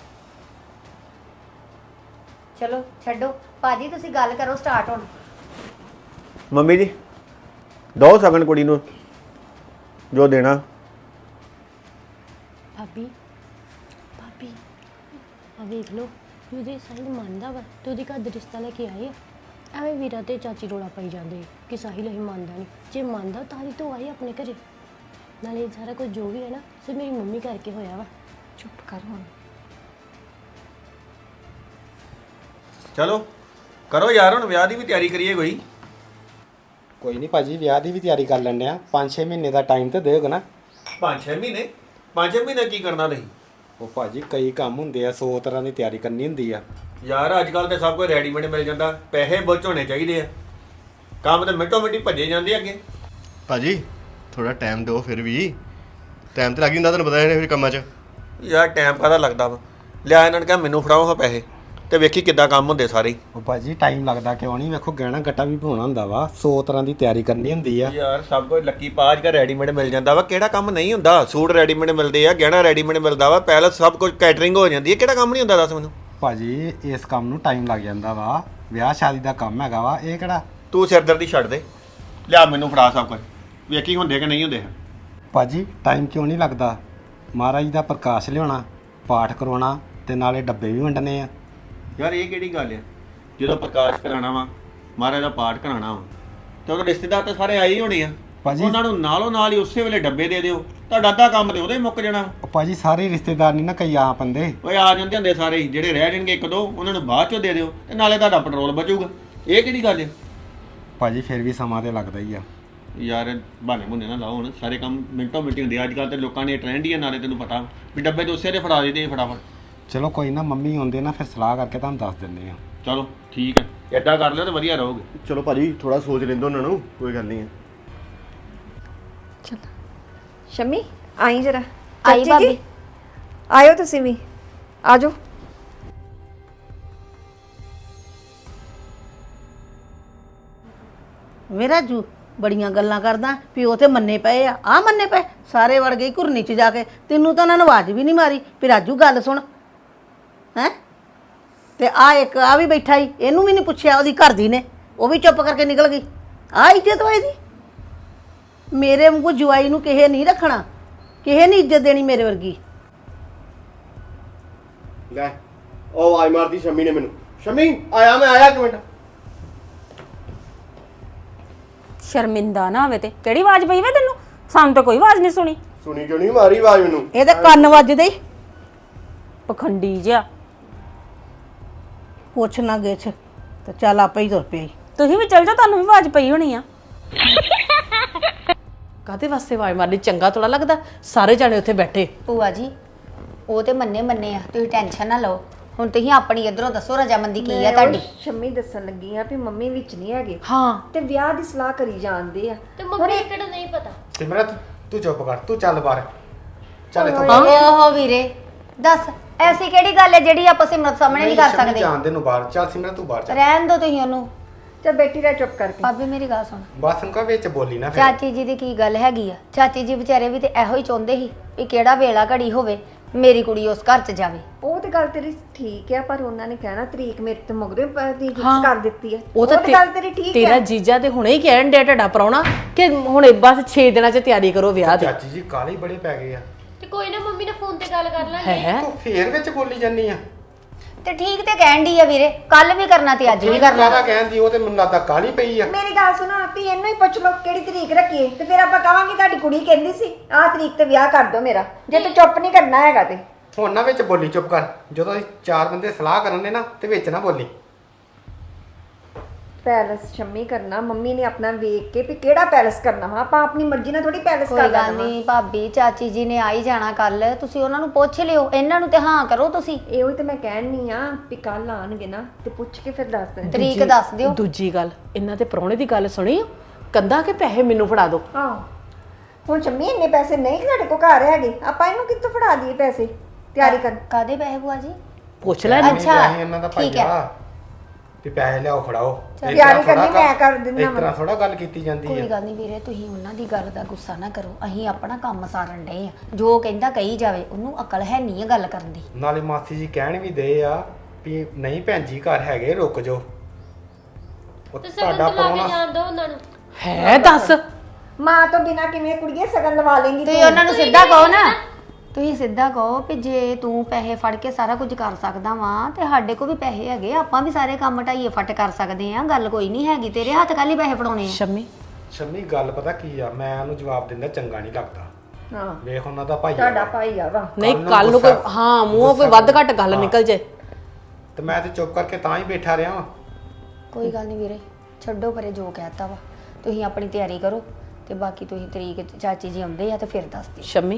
Speaker 6: ਚਲੋ ਛੱਡੋ ਭਾਜੀ ਤੁਸੀਂ ਗੱਲ ਕਰੋ ਸਟਾਰਟ ਹੁਣ।
Speaker 5: ਮੰਮੀ ਜੀ ਦੋ ਸਗਨ ਕੁੜੀ ਨੂੰ ਜੋ ਦੇਣਾ।
Speaker 3: ਭਾਬੀ ਭਾਬੀ ਆ ਵੇਖ ਲਓ ਵੀ ਉਹਦੇ ਸਾਹਿਲ ਮੰਨਦਾ ਵਾ ਤੇ ਉਹਦੇ ਘਰ ਦਾ ਰਿਸ਼ਤਾ ਲੈ ਕੇ ਆਏ ਆ। ਐਵੇਂ ਵੀਰਾ ਤੇ ਚਾਚੀ ਰੋਲਾ ਪਾਈ ਜਾਂਦੇ ਕਿ ਸਾਹਿਲ ਹੀ ਮੰਨਦਾ ਨਹੀਂ। ਜੇ ਮੰਨਦਾ ਤਾਂ ਹੀ ਤੋਂ ਆਏ ਆਪਣੇ ਘਰੇ। ਨਾਲੇ ਇਹ ਸਾਰਾ ਕੁਝ ਜੋ ਵੀ ਹੈ ਨਾ ਸਿਰ ਮੇਰੀ ਮੰਮੀ ਕਰਕੇ ਹੋਇਆ ਵਾ।
Speaker 1: ਚੁੱਪ ਕਰ ਹੁਣ।
Speaker 5: ਚਲੋ ਕਰੋ ਯਾਰ, ਹੁਣ ਵਿਆਹ ਦੀ ਵੀ ਤਿਆਰੀ ਕਰੀਏ ਕੋਈ।
Speaker 4: ਕੋਈ ਨਹੀਂ ਭਾਜੀ, ਵਿਆਹ ਦੀ ਵੀ ਤਿਆਰੀ ਕਰ ਲੈਂਦੇ ਆ। 5-6 ਮਹੀਨੇ ਦਾ ਟਾਈਮ ਤੇ ਦਿਓਗੇ ਨਾ।
Speaker 5: 5-6 ਮਹੀਨੇ? 5 ਮਹੀਨੇ ਕੀ ਕਰਨਾ ਤੁਸੀਂ?
Speaker 4: ਉਹ ਭਾਜੀ ਕਈ ਕੰਮ ਹੁੰਦੇ ਆ, 100 ਤਰ੍ਹਾਂ ਦੀ ਤਿਆਰੀ ਕਰਨੀ ਹੁੰਦੀ ਆ।
Speaker 5: ਯਾਰ ਅੱਜ ਕੱਲ ਤੇ ਸਭ ਕੁਝ ਰੈਡੀਮੇਡ ਮਿਲ ਜਾਂਦਾ, ਪੈਸੇ ਬੁੱਝ ਹੋਣੇ ਚਾਹੀਦੇ ਆ। ਕੰਮ ਤੇ ਮਿੰਟੋ ਮਿੰਟੀ ਭੱਜੇ ਜਾਂਦੇ ਅੱਗੇ।
Speaker 9: ਭਾਜੀ ਥੋੜਾ ਟਾਈਮ ਦਿਓ, ਫਿਰ ਵੀ ਟਾਈਮ ਤੇ ਲੱਗ ਜਾਂਦਾ, ਤੁਹਾਨੂੰ ਪਤਾ ਇਹਨੇ ਫਿਰ ਕੰਮਾਂ 'ਚ।
Speaker 5: ਯਾਰ ਟਾਈਮ ਕਾਹਦਾ ਲੱਗਦਾ ਵਾ? ਲਿਆ ਇਹਨਾਂ ਨੇ ਕਿਹਾ ਮੈਨੂੰ ਫੜਾਓ ਹਾਂ ਪੈਸੇ ਤੇ ਵੇਖੀ ਕਿੱਦਾਂ ਕੰਮ ਹੁੰਦੇ ਸਾਰੇ ਹੀ।
Speaker 4: ਉਹ ਭਾਜੀ ਟਾਈਮ ਲੱਗਦਾ ਕਿਉਂ ਨਹੀਂ? ਵੇਖੋ ਗਹਿਣਾ ਗੱਟਾ ਵੀ ਪਾਉਣਾ ਹੁੰਦਾ ਵਾ, 100 ਤਰ੍ਹਾਂ ਦੀ ਤਿਆਰੀ ਕਰਨੀ ਹੁੰਦੀ ਆ।
Speaker 5: ਯਾਰ ਸਭ ਕੁਝ ਲੱਕੀ ਪਾਜ ਕਾ ਰੈਡੀਮੇਡ ਮਿਲ ਜਾਂਦਾ ਵਾ। ਕਿਹੜਾ ਕੰਮ ਨਹੀਂ ਹੁੰਦਾ? ਸੂਟ ਰੈਡੀਮੇਡ ਮਿਲਦੇ ਆ, ਗਹਿਣਾ ਰੈਡੀਮੇਡ ਮਿਲਦਾ ਵਾ, ਪੈਲਸ ਸਭ ਕੁਝ ਕੈਟਰਿੰਗ ਹੋ ਜਾਂਦੀ ਹੈ। ਕਿਹੜਾ ਕੰਮ ਨਹੀਂ ਹੁੰਦਾ ਦੱਸ ਮੈਨੂੰ?
Speaker 4: ਭਾਜੀ ਇਸ ਕੰਮ ਨੂੰ ਟਾਈਮ ਲੱਗ ਜਾਂਦਾ ਵਾ, ਵਿਆਹ ਸ਼ਾਦੀ ਦਾ ਕੰਮ ਹੈਗਾ ਵਾ ਇਹ ਕਿਹੜਾ।
Speaker 5: ਤੂੰ ਸਿਰਦਰਦੀ ਛੱਡ ਦੇ, ਲਿਆ ਮੈਨੂੰ ਫੜਾ ਸਭ ਕੁਝ, ਵੇਖੀ ਹੁੰਦੇ ਕਿ ਨਹੀਂ ਹੁੰਦੇ।
Speaker 4: ਭਾਜੀ ਟਾਈਮ ਕਿਉਂ ਨਹੀਂ ਲੱਗਦਾ? ਮਹਾਰਾਜ ਦਾ ਪ੍ਰਕਾਸ਼ ਲਿਆਉਣਾ, ਪਾਠ ਕਰਵਾਉਣਾ ਤੇ ਨਾਲੇ ਡੱਬੇ ਵੀ ਵੰਡਣੇ ਆ।
Speaker 5: ਯਾਰ ਇਹ ਕਿਹੜੀ ਗੱਲ ਆ? ਜਦੋਂ ਪ੍ਰਕਾਸ਼ ਕਰਾਉਣਾ ਵਾ, ਮਹਾਰਾਜ ਦਾ ਪਾਠ ਕਰਾਉਣਾ ਵਾ, ਤੇ ਉਹਦੇ ਰਿਸ਼ਤੇਦਾਰ ਤਾਂ ਸਾਰੇ ਆਏ ਹੀ ਹੋਣੇ ਆ।
Speaker 4: ਭਾਜੀ
Speaker 5: ਉਹਨਾਂ ਨੂੰ ਨਾਲੋਂ ਨਾਲ ਹੀ ਉਸੇ ਵੇਲੇ ਡੱਬੇ ਦੇ ਦਿਓ, ਤੁਹਾਡਾ ਅੱਧਾ ਕੰਮ ਤੇ ਉਹਦੇ ਮੁੱਕ ਜਾਣਾ।
Speaker 4: ਉਹ ਭਾਜੀ ਸਾਰੇ ਰਿਸ਼ਤੇਦਾਰ ਨਹੀਂ ਨਾ ਕਈ ਆ ਪੰਦੇ।
Speaker 5: ਓਏ ਆ ਜਾਂਦੇ ਹੁੰਦੇ ਸਾਰੇ ਹੀ, ਜਿਹੜੇ ਰਹਿ ਜਾਣਗੇ ਇੱਕ ਦੋ ਉਹਨਾਂ ਨੂੰ ਬਾਅਦ ਚੋਂ ਦੇ ਦਿਓ, ਤੇ ਨਾਲੇ ਤੁਹਾਡਾ ਪੈਟਰੋਲ ਬਚੂਗਾ। ਇਹ ਕਿਹੜੀ ਗੱਲ ਆ?
Speaker 4: ਭਾਜੀ ਫਿਰ ਵੀ ਸਮਾਂ ਤੇ ਲੱਗਦਾ ਹੀ ਆ।
Speaker 5: ਯਾਰ ਬਹਾਨੇ ਬੁਨੇ ਨਾ ਲਾਓ, ਹੁਣ ਸਾਰੇ ਕੰਮ ਮਿੰਟੋ ਮਿੰਟੀ ਹੁੰਦੇ ਅੱਜ ਕੱਲ੍ਹ ਤੇ ਲੋਕਾਂ ਨੇ ਟ੍ਰੈਂਡ ਹੀ ਆ। ਨਾਲੇ ਤੈਨੂੰ ਪਤਾ ਵੀ ਡੱਬੇ ਤੇ ਉਸੇ ਦੇ ਫੜਾ ਦੇ ਫਟਾਫਟ।
Speaker 4: ਚਲੋ ਕੋਈ ਨਾ, ਮੰਮੀ ਆਉਂਦੇ ਨਾ ਫਿਰ ਸਲਾਹ ਕਰਕੇ ਤੁਹਾਨੂੰ ਦੱਸ ਦਿੰਦੇ ਆ।
Speaker 5: ਚਲੋ ਠੀਕ ਹੈ, ਏਦਾਂ ਕਰ ਲਿਓ ਤੇ ਵਧੀਆ ਰਹੋਗੇ।
Speaker 9: ਚਲੋ ਭਾਜੀ ਥੋੜਾ ਸੋਚ ਲੈਂਦੋ ਉਹਨਾਂ ਨੂੰ, ਕੋਈ ਗੱਲ ਨਹੀਂ ਹੈ।
Speaker 1: ਚਲ ਸ਼ਮੀ ਆਈ ਜਰਾ।
Speaker 6: ਆਈ
Speaker 1: ਚਾਚੀ ਜੀ,
Speaker 6: ਭਾਬੀ।
Speaker 1: ਆਇਓ ਤੁਸੀਂ ਵੀ ਆ ਜਾਓ।
Speaker 7: ਵੇ ਰਾਜੂ ਬੜੀਆਂ ਗੱਲਾਂ ਕਰਦਾ, ਪਿਓ ਤੇ ਮੰਨੇ ਪਏ ਆ ਮੰਨੇ ਪਏ ਸਾਰੇ ਵੜ ਗਏ ਘੁਰਨੀ 'ਚ ਜਾ ਕੇ। ਤੈਨੂੰ ਤਾਂ ਉਹਨਾਂ ਨੇ ਆਵਾਜ਼ ਵੀ ਨਹੀਂ ਮਾਰੀ ਵੀ ਰਾਜੂ ਗੱਲ ਸੁਣ ਹੈ। ਤੇ ਇੱਕ ਆ ਵੀ ਬੈਠਾ ਹੀ, ਇਹਨੂੰ ਵੀ ਨਹੀਂ ਪੁੱਛਿਆ ਉਹਦੀ ਘਰ ਦੀ ਨੇ, ਉਹ ਵੀ ਚੁੱਪ ਕਰਕੇ ਨਿਕਲ ਗਈ। ਆ ਇੱਜ਼ਤ ਵਾ ਇਹਦੀ? ਮੇਰੇ ਵਾਂਗੂ ਜਵਾਈ ਨੂੰ ਕਿਸੇ ਨਹੀਂ ਰੱਖਣਾ, ਕਿਸੇ ਨਹੀਂ ਇੱਜ਼ਤ ਦੇਣੀ ਮੇਰੇ ਵਰਗੀ।
Speaker 9: ਲੈ ਉਹ ਆਈ ਮਾਰਦੀ ਸ਼ਮੀ ਨੇ ਮੈਨੂੰ। ਸ਼ਮੀ ਆਇਆ, ਮੈਂ ਆਇਆ ਇੱਕ ਮਿੰਟ।
Speaker 8: ਸ਼ਰਮਿੰਦਾ ਨਾ ਹੋਵੇ ਤੇ ਕਿਹੜੀ ਆਵਾਜ਼ ਪਈ ਵੇ ਤੈਨੂੰ? ਸਾਨੂੰ ਤਾਂ ਕੋਈ ਆਵਾਜ਼ ਨਹੀਂ ਸੁਣੀ।
Speaker 9: ਸੁਣੀ ਕਿਉਂ ਨਹੀਂ ਮਾਰੀ ਆਵਾਜ਼ ਮੈਨੂੰ?
Speaker 7: ਇਹਦੇ ਕੰਨ ਵੱਜਦੇ ਈ।
Speaker 8: ਪਖੰਡੀ ਜਿਹਾ।
Speaker 7: ਪੁੱਛ ਨਾ ਗਿੱਛ ਤੇ ਚੱਲ ਆਪੇ ਹੀ ਤੁਰ ਪਿਆ ਈ।
Speaker 8: ਤੁਸੀਂ ਵੀ ਚੱਲ ਜਾਓ, ਤੁਹਾਨੂੰ ਵੀ ਆਵਾਜ਼ ਪਈ ਹੋਣੀ ਆ।
Speaker 2: ਕਾਹਦੇ ਵਾਸਤੇ ਆਵਾਜ਼ ਮਾਰਨੀ? ਚੰਗਾ ਥੋੜਾ ਲੱਗਦਾ ਸਾਰੇ ਜਾਣੇ ਉੱਥੇ ਬੈਠੇ।
Speaker 6: ਭੂਆ ਜੀ ਉਹ ਤੇ ਮੰਨੇ ਆ, ਤੁਸੀਂ ਟੈਨਸ਼ਨ ਨਾ ਲਓ। ਹੁਣ ਤੁਸੀਂ ਆਪਣੀ ਇਧਰੋਂ ਦੱਸੋ ਰਜਾਮੰਦੀ ਕੀ ਆ ਤੁਹਾਡੀ?
Speaker 1: ਸ਼ੰਮੀ ਦੱਸਣ ਲੱਗੀ ਆ ਵੀ ਮੰਮੀ ਵਿੱਚ ਨਹੀਂ ਹੈਗੇ
Speaker 2: ਹਾਂ
Speaker 1: ਤੇ ਵਿਆਹ ਦੀ ਸਲਾਹ ਕਰੀ ਜਾਂਦੇ ਆ।
Speaker 3: ਤੇ ਮੰਮੀ ਨੂੰ ਕਿਹੜਾ ਨਹੀਂ ਪਤਾ?
Speaker 4: ਸਿਮਰਤ ਤੂੰ ਚੁੱਪ ਕਰ, ਤੂੰ ਚੱਲ ਬਾਹਰ ਚੱਲ ਇੱਥੋਂ।
Speaker 6: ਓਹੋ ਵੀਰੇ ਦੱਸ ਐਸੀ ਕਿਹੜੀ ਗੱਲ ਹੈ ਜਿਹੜੀ ਆਪਾਂ ਸਿਮਰਤ ਸਾਹਮਣੇ ਨਹੀਂ ਕਰ
Speaker 4: ਸ਼ੰਮੀ
Speaker 6: ਸਕਦੇ?
Speaker 4: ਜਾਣ ਦੇ ਨੂੰ ਬਾਹਰ ਚੱਲ, ਸਿਮਰਤ ਤੂੰ ਬਾਹਰ ਚੱਲ।
Speaker 6: ਰਹਿਣ ਦੋ ਤੁਸੀਂ ਉਹਨੂੰ।
Speaker 1: ਚੱਲ ਬੈਠੀ ਰਹਿ ਚੁੱਪ ਕਰਕੇ।
Speaker 6: ਭਾਬੀ ਮੇਰੀ ਗੱਲ ਸੁਣ,
Speaker 4: ਬਸ ਉਨਕਾ ਵਿੱਚ ਬੋਲੀ ਨਾ ਫਿਰ।
Speaker 6: ਚਾਚੀ ਜੀ ਦੀ ਕੀ ਗੱਲ ਹੈਗੀ ਆ? ਚਾਚੀ ਜੀ ਵਿਚਾਰੇ ਵੀ ਤੇ ਇਹੋ ਹੀ ਚਾਹੁੰਦੇ ਸੀ ਵੀ ਕਿਹੜਾ ਵੇਲਾ ਘੜੀ ਹੋਵੇ ਮੇਰੀ ਕੁੜੀ ਉਸ ਘਰ 'ਚ ਜਾਵੇ।
Speaker 1: ਉਹ ਤੇ ਗੱਲ ਤੇਰੀ ਠੀਕ ਆ, ਪਰ ਉਹਨਾਂ ਨੇ ਕਹਿਣਾ ਤਰੀਕ ਮੇਰੇ ਤੇ ਮਗਰੋਂ ਤਰੀਕ ਫਿਕਸ ਕਰ ਦਿੱਤੀ ਆ।
Speaker 2: ਉਹ ਤਾਂ
Speaker 1: ਤੇ ਗੱਲ ਤੇਰੀ ਠੀਕ
Speaker 2: ਤੇਰਾ
Speaker 1: ਹੈ।
Speaker 2: ਜੀਜਾ ਤੇ ਹੁਣੇ ਹੀ ਕਹਿਣ ਡਿਆ ਤੁਹਾਡਾ ਪ੍ਰਾਹੁਣਾ ਕਿ ਹੁਣੇ ਬਸ 6 ਦਿਨਾਂ 'ਚ ਤਿਆਰੀ ਕਰੋ ਵਿਆਹ ਦੀ।
Speaker 4: ਚਾਚੀ ਜੀ ਕਾਲੇ ਬੜੇ ਪੈ ਗਏ ਆ।
Speaker 3: ਤੇ ਕੋਈ ਨਾ ਮੰਮੀ ਨਾਲ ਫੋਨ ਤੇ ਗੱਲ ਕਰ ਲਾਂਗੇ।
Speaker 2: ਹੈ
Speaker 4: ਤੂੰ ਫੇਰ ਵਿੱਚ ਬੋਲੀ ਜਾਂਦੀ ਆ।
Speaker 6: ਤੇ ਠੀਕ ਤੇ ਕਹਿਣ ਦੀ ਆ ਵੀਰੇ, ਕੱਲ ਵੀ ਕਰਨਾ ਤੇ ਅੱਜ ਵੀ ਕਰਨਾ।
Speaker 4: ਕਾਹਦਾ ਕਹਿੰਦੀ, ਉਹ ਤੇ ਮੈਨੂੰ ਲੱਗਦਾ ਕਾਲੀ ਪਈ ਆ।
Speaker 1: ਮੇਰੀ ਗੱਲ ਸੁਣੋ, ਵੀ ਇਹਨੂੰ ਹੀ ਪੁੱਛ ਲਓ ਕਿਹੜੀ ਤਰੀਕ ਰੱਖੀਏ ਤੇ ਫਿਰ ਆਪਾਂ ਕਵਾਂਗੇ ਤੁਹਾਡੀ ਕੁੜੀ ਕਹਿੰਦੀ ਸੀ ਆਹ ਤਰੀਕ ਤੇ ਵਿਆਹ ਕਰ ਦਿਓ ਮੇਰਾ। ਜੇ ਤੂੰ ਚੁੱਪ ਨਹੀਂ ਕਰਨਾ ਹੈਗਾ ਤੇ
Speaker 4: ਹੁਣ ਨਾ ਵਿੱਚ ਬੋਲੀ, ਚੁੱਪ ਕਰ। ਜਦੋਂ ਅਸੀਂ 4 ਬੰਦੇ ਸਲਾਹ ਕਰਨ ਨੇ ਨਾ ਤੇ ਵਿੱਚ ਨਾ ਬੋਲੀ।
Speaker 1: ਪੈਲਸ ਸ਼ੰਮੀ ਕਰਨਾ, ਮੰਮੀ ਨੇ ਆਪਣਾ ਵੇਖ ਕੇ ਵੀ ਕਿਹੜਾ ਪੈਲਸ ਕਰਨਾ ਵਾ। ਆਪਾਂ ਆਪਣੀ ਮਰਜ਼ੀ ਨਾਲ ਥੋੜੀ ਪੈਲਸ
Speaker 6: ਕੋਈ
Speaker 1: ਕਰ
Speaker 6: ਗੱਲ
Speaker 1: ਲੈਣਾ।
Speaker 6: ਨਹੀਂ ਭਾਬੀ, ਚਾਚੀ ਜੀ ਨੇ ਆ ਹੀ ਜਾਣਾ ਕੱਲ, ਤੁਸੀਂ ਉਹਨਾਂ ਨੂੰ ਪੁੱਛ ਲਿਓ। ਇਹਨਾਂ ਨੂੰ ਤੇ ਹਾਂ ਕਰੋ ਤੁਸੀਂ।
Speaker 1: ਇਹੋ ਹੀ ਤੇ ਮੈਂ ਕਹਿਣੀ ਆ ਵੀ ਕੱਲ ਆਣਗੇ ਨਾ ਤੇ ਪੁੱਛ ਕੇ ਫਿਰ ਦੱਸ ਦੇਣ।
Speaker 6: ਤਰੀਕ ਦੱਸ ਦਿਓ।
Speaker 2: ਦੂਜੀ ਗੱਲ, ਇਹਨਾਂ ਦੇ ਪ੍ਰਾਹੁਣੇ ਦੀ ਗੱਲ ਸੁਣੀ ਕੰਦਾ ਕਿ ਪੈਸੇ ਮੈਨੂੰ ਫੜਾ ਦਿਓ।
Speaker 1: ਹਾਂ ਹੁਣ ਸ਼ੰਮੀ ਇੰਨੇ ਪੈਸੇ ਨਹੀਂ ਸਾਡੇ ਕੋਲ ਘਰ ਹੈਗੇ, ਆਪਾਂ ਇਹਨੂੰ ਕਿੱਥੋਂ ਫੜਾ ਦਈਏ ਪੈਸੇ ਤਿਆਰੀ ਕਰ।
Speaker 6: ਕਾਦੇ ਪੈਸੇ ਭੂਆ ਜੀ?
Speaker 2: ਪੁੱਛ ਲੈ
Speaker 6: ਅੱਛਾ,
Speaker 4: ਇਹਨਾਂ ਦਾ
Speaker 6: ਠੀਕ ਹੈ।
Speaker 4: ਭਾਈਆ ਵੀ ਪੈਸੇ ਲਿਆਓ ਫੜਾਓ।
Speaker 1: ਤਿਆਰੀ ਕਰਨੀ ਮੈਂ ਕਰ ਦਿੰਦਾ
Speaker 4: ਇਸ ਤਰ੍ਹਾਂ ਥੋੜਾ ਗੱਲ ਕੀਤੀ ਜਾਂਦੀ
Speaker 6: ਕੋਈ
Speaker 4: ਹੈ।
Speaker 6: ਗੱਲ ਨਹੀਂ ਵੀਰੇ, ਤੁਸੀਂ ਉਹਨਾਂ ਦੀ ਗੱਲ ਦਾ ਗੁੱਸਾ ਨਾ ਕਰੋ। ਅਸੀਂ ਆਪਣਾ ਕੰਮ ਸਾਰਨ ਡਏ ਆ। ਜੋ ਕਹਿੰਦਾ ਕਹੀ ਜਾਵੇ, ਉਹਨੂੰ ਅਕਲ ਹੈ ਨਹੀਂ ਆ ਗੱਲ ਕਰਨ ਦੀ।
Speaker 4: ਨਾਲੇ ਮਾਸੀ ਜੀ ਕਹਿਣ ਵੀ ਦੇ ਆ ਵੀ ਨਹੀਂ ਭੈਣ ਜੀ ਘਰ ਹੈਗੇ, ਰੁਕ ਜਾਓ। ਉਹ
Speaker 3: ਤੇ ਸਗਨ
Speaker 4: ਤੁਹਾਡਾ
Speaker 3: ਤੇ ਲਾ ਕੇ
Speaker 4: ਪ੍ਰਾਹੁਣਾ
Speaker 3: ਜਾਣ ਦੋ ਉਹਨਾਂ ਨੂੰ।
Speaker 2: ਹੈ ਦੱਸ।
Speaker 1: ਮਾਂ ਤੋਂ ਬਿਨਾ ਕਿਵੇਂ ਕੁੜੀਏ ਸਗਨ ਲਵਾ ਲੇਂਗੀ
Speaker 6: ਤੁਸੀਂ ਉਹਨਾਂ ਨੂੰ ਸਿੱਧਾ ਕਹੋ ਨਾ, ਤੁਸੀਂ ਸਿੱਧਾ ਕਹੋ ਕਿ ਜੇ ਤੂੰ ਪੈਸੇ ਫੜ ਕੇ ਸਾਰਾ ਕੁਝ ਕਰ ਸਕਦਾ ਵਾਂ ਤੇ ਸਾਡੇ ਕੋਲ ਵੀ ਪੈਸੇ ਹੈਗੇ, ਆਪਾਂ ਵੀ ਸਾਰੇ ਕੰਮ ਢਾਈਏ ਫਟ ਕਰ ਸਕਦੇ ਆ। ਗੱਲ ਕੋਈ ਨਹੀਂ ਹੈਗੀ, ਤੇਰੇ ਹੱਥ ਕੱਲ ਹੀ ਪੈਸੇ ਫੜਾਉਣੇ ਆ।
Speaker 2: ਸ਼ੰਮੀ
Speaker 4: ਸ਼ੰਮੀ ਗੱਲ ਪਤਾ ਕੀ ਆ, ਮੈਂ ਉਹਨੂੰ ਜਵਾਬ ਦਿੰਦਾ ਚੰਗਾ ਨਹੀਂ ਲੱਗਦਾ।
Speaker 1: ਹਾਂ
Speaker 4: ਵੇਖ ਉਹਨਾਂ ਦਾ ਭਾਈ
Speaker 1: ਤੁਹਾਡਾ ਭਾਈ ਆ ਵਾ।
Speaker 2: ਨਹੀਂ,
Speaker 4: ਨੂੰ
Speaker 2: ਕੱਲ ਨੂੰ ਕੋਈ
Speaker 4: ਗੁੱਸਾ-
Speaker 2: ਹਾਂ ਮੂੰਹੋਂ ਕੋਈ ਵੱਧ ਘੱਟ ਗੱਲ ਨਿਕਲ ਜੇ।
Speaker 4: ਤੇ ਮੈਂ ਤੇ ਚੁੱਪ ਕਰਕੇ ਤਾਂ ਹੀ ਬੈਠਾ ਰਿਹਾ ਵਾਂ।
Speaker 6: ਕੋਈ ਗੱਲ ਨਹੀਂ ਵੀਰੇ, ਛੱਡੋ ਪਰੇ ਜੋ ਕਹਿਤਾ ਵਾ। ਤੁਸੀਂ ਆਪਣੀ ਤਿਆਰੀ ਕਰੋ ਤੇ ਬਾਕੀ ਤੁਸੀਂ ਤਰੀਕ ਚਾਚੀ ਜੀ ਆਉਂਦੇ ਆ ਤੇ ਫਿਰ ਦੱਸ ਦਿਓ।
Speaker 2: ਸ਼ੰਮੀ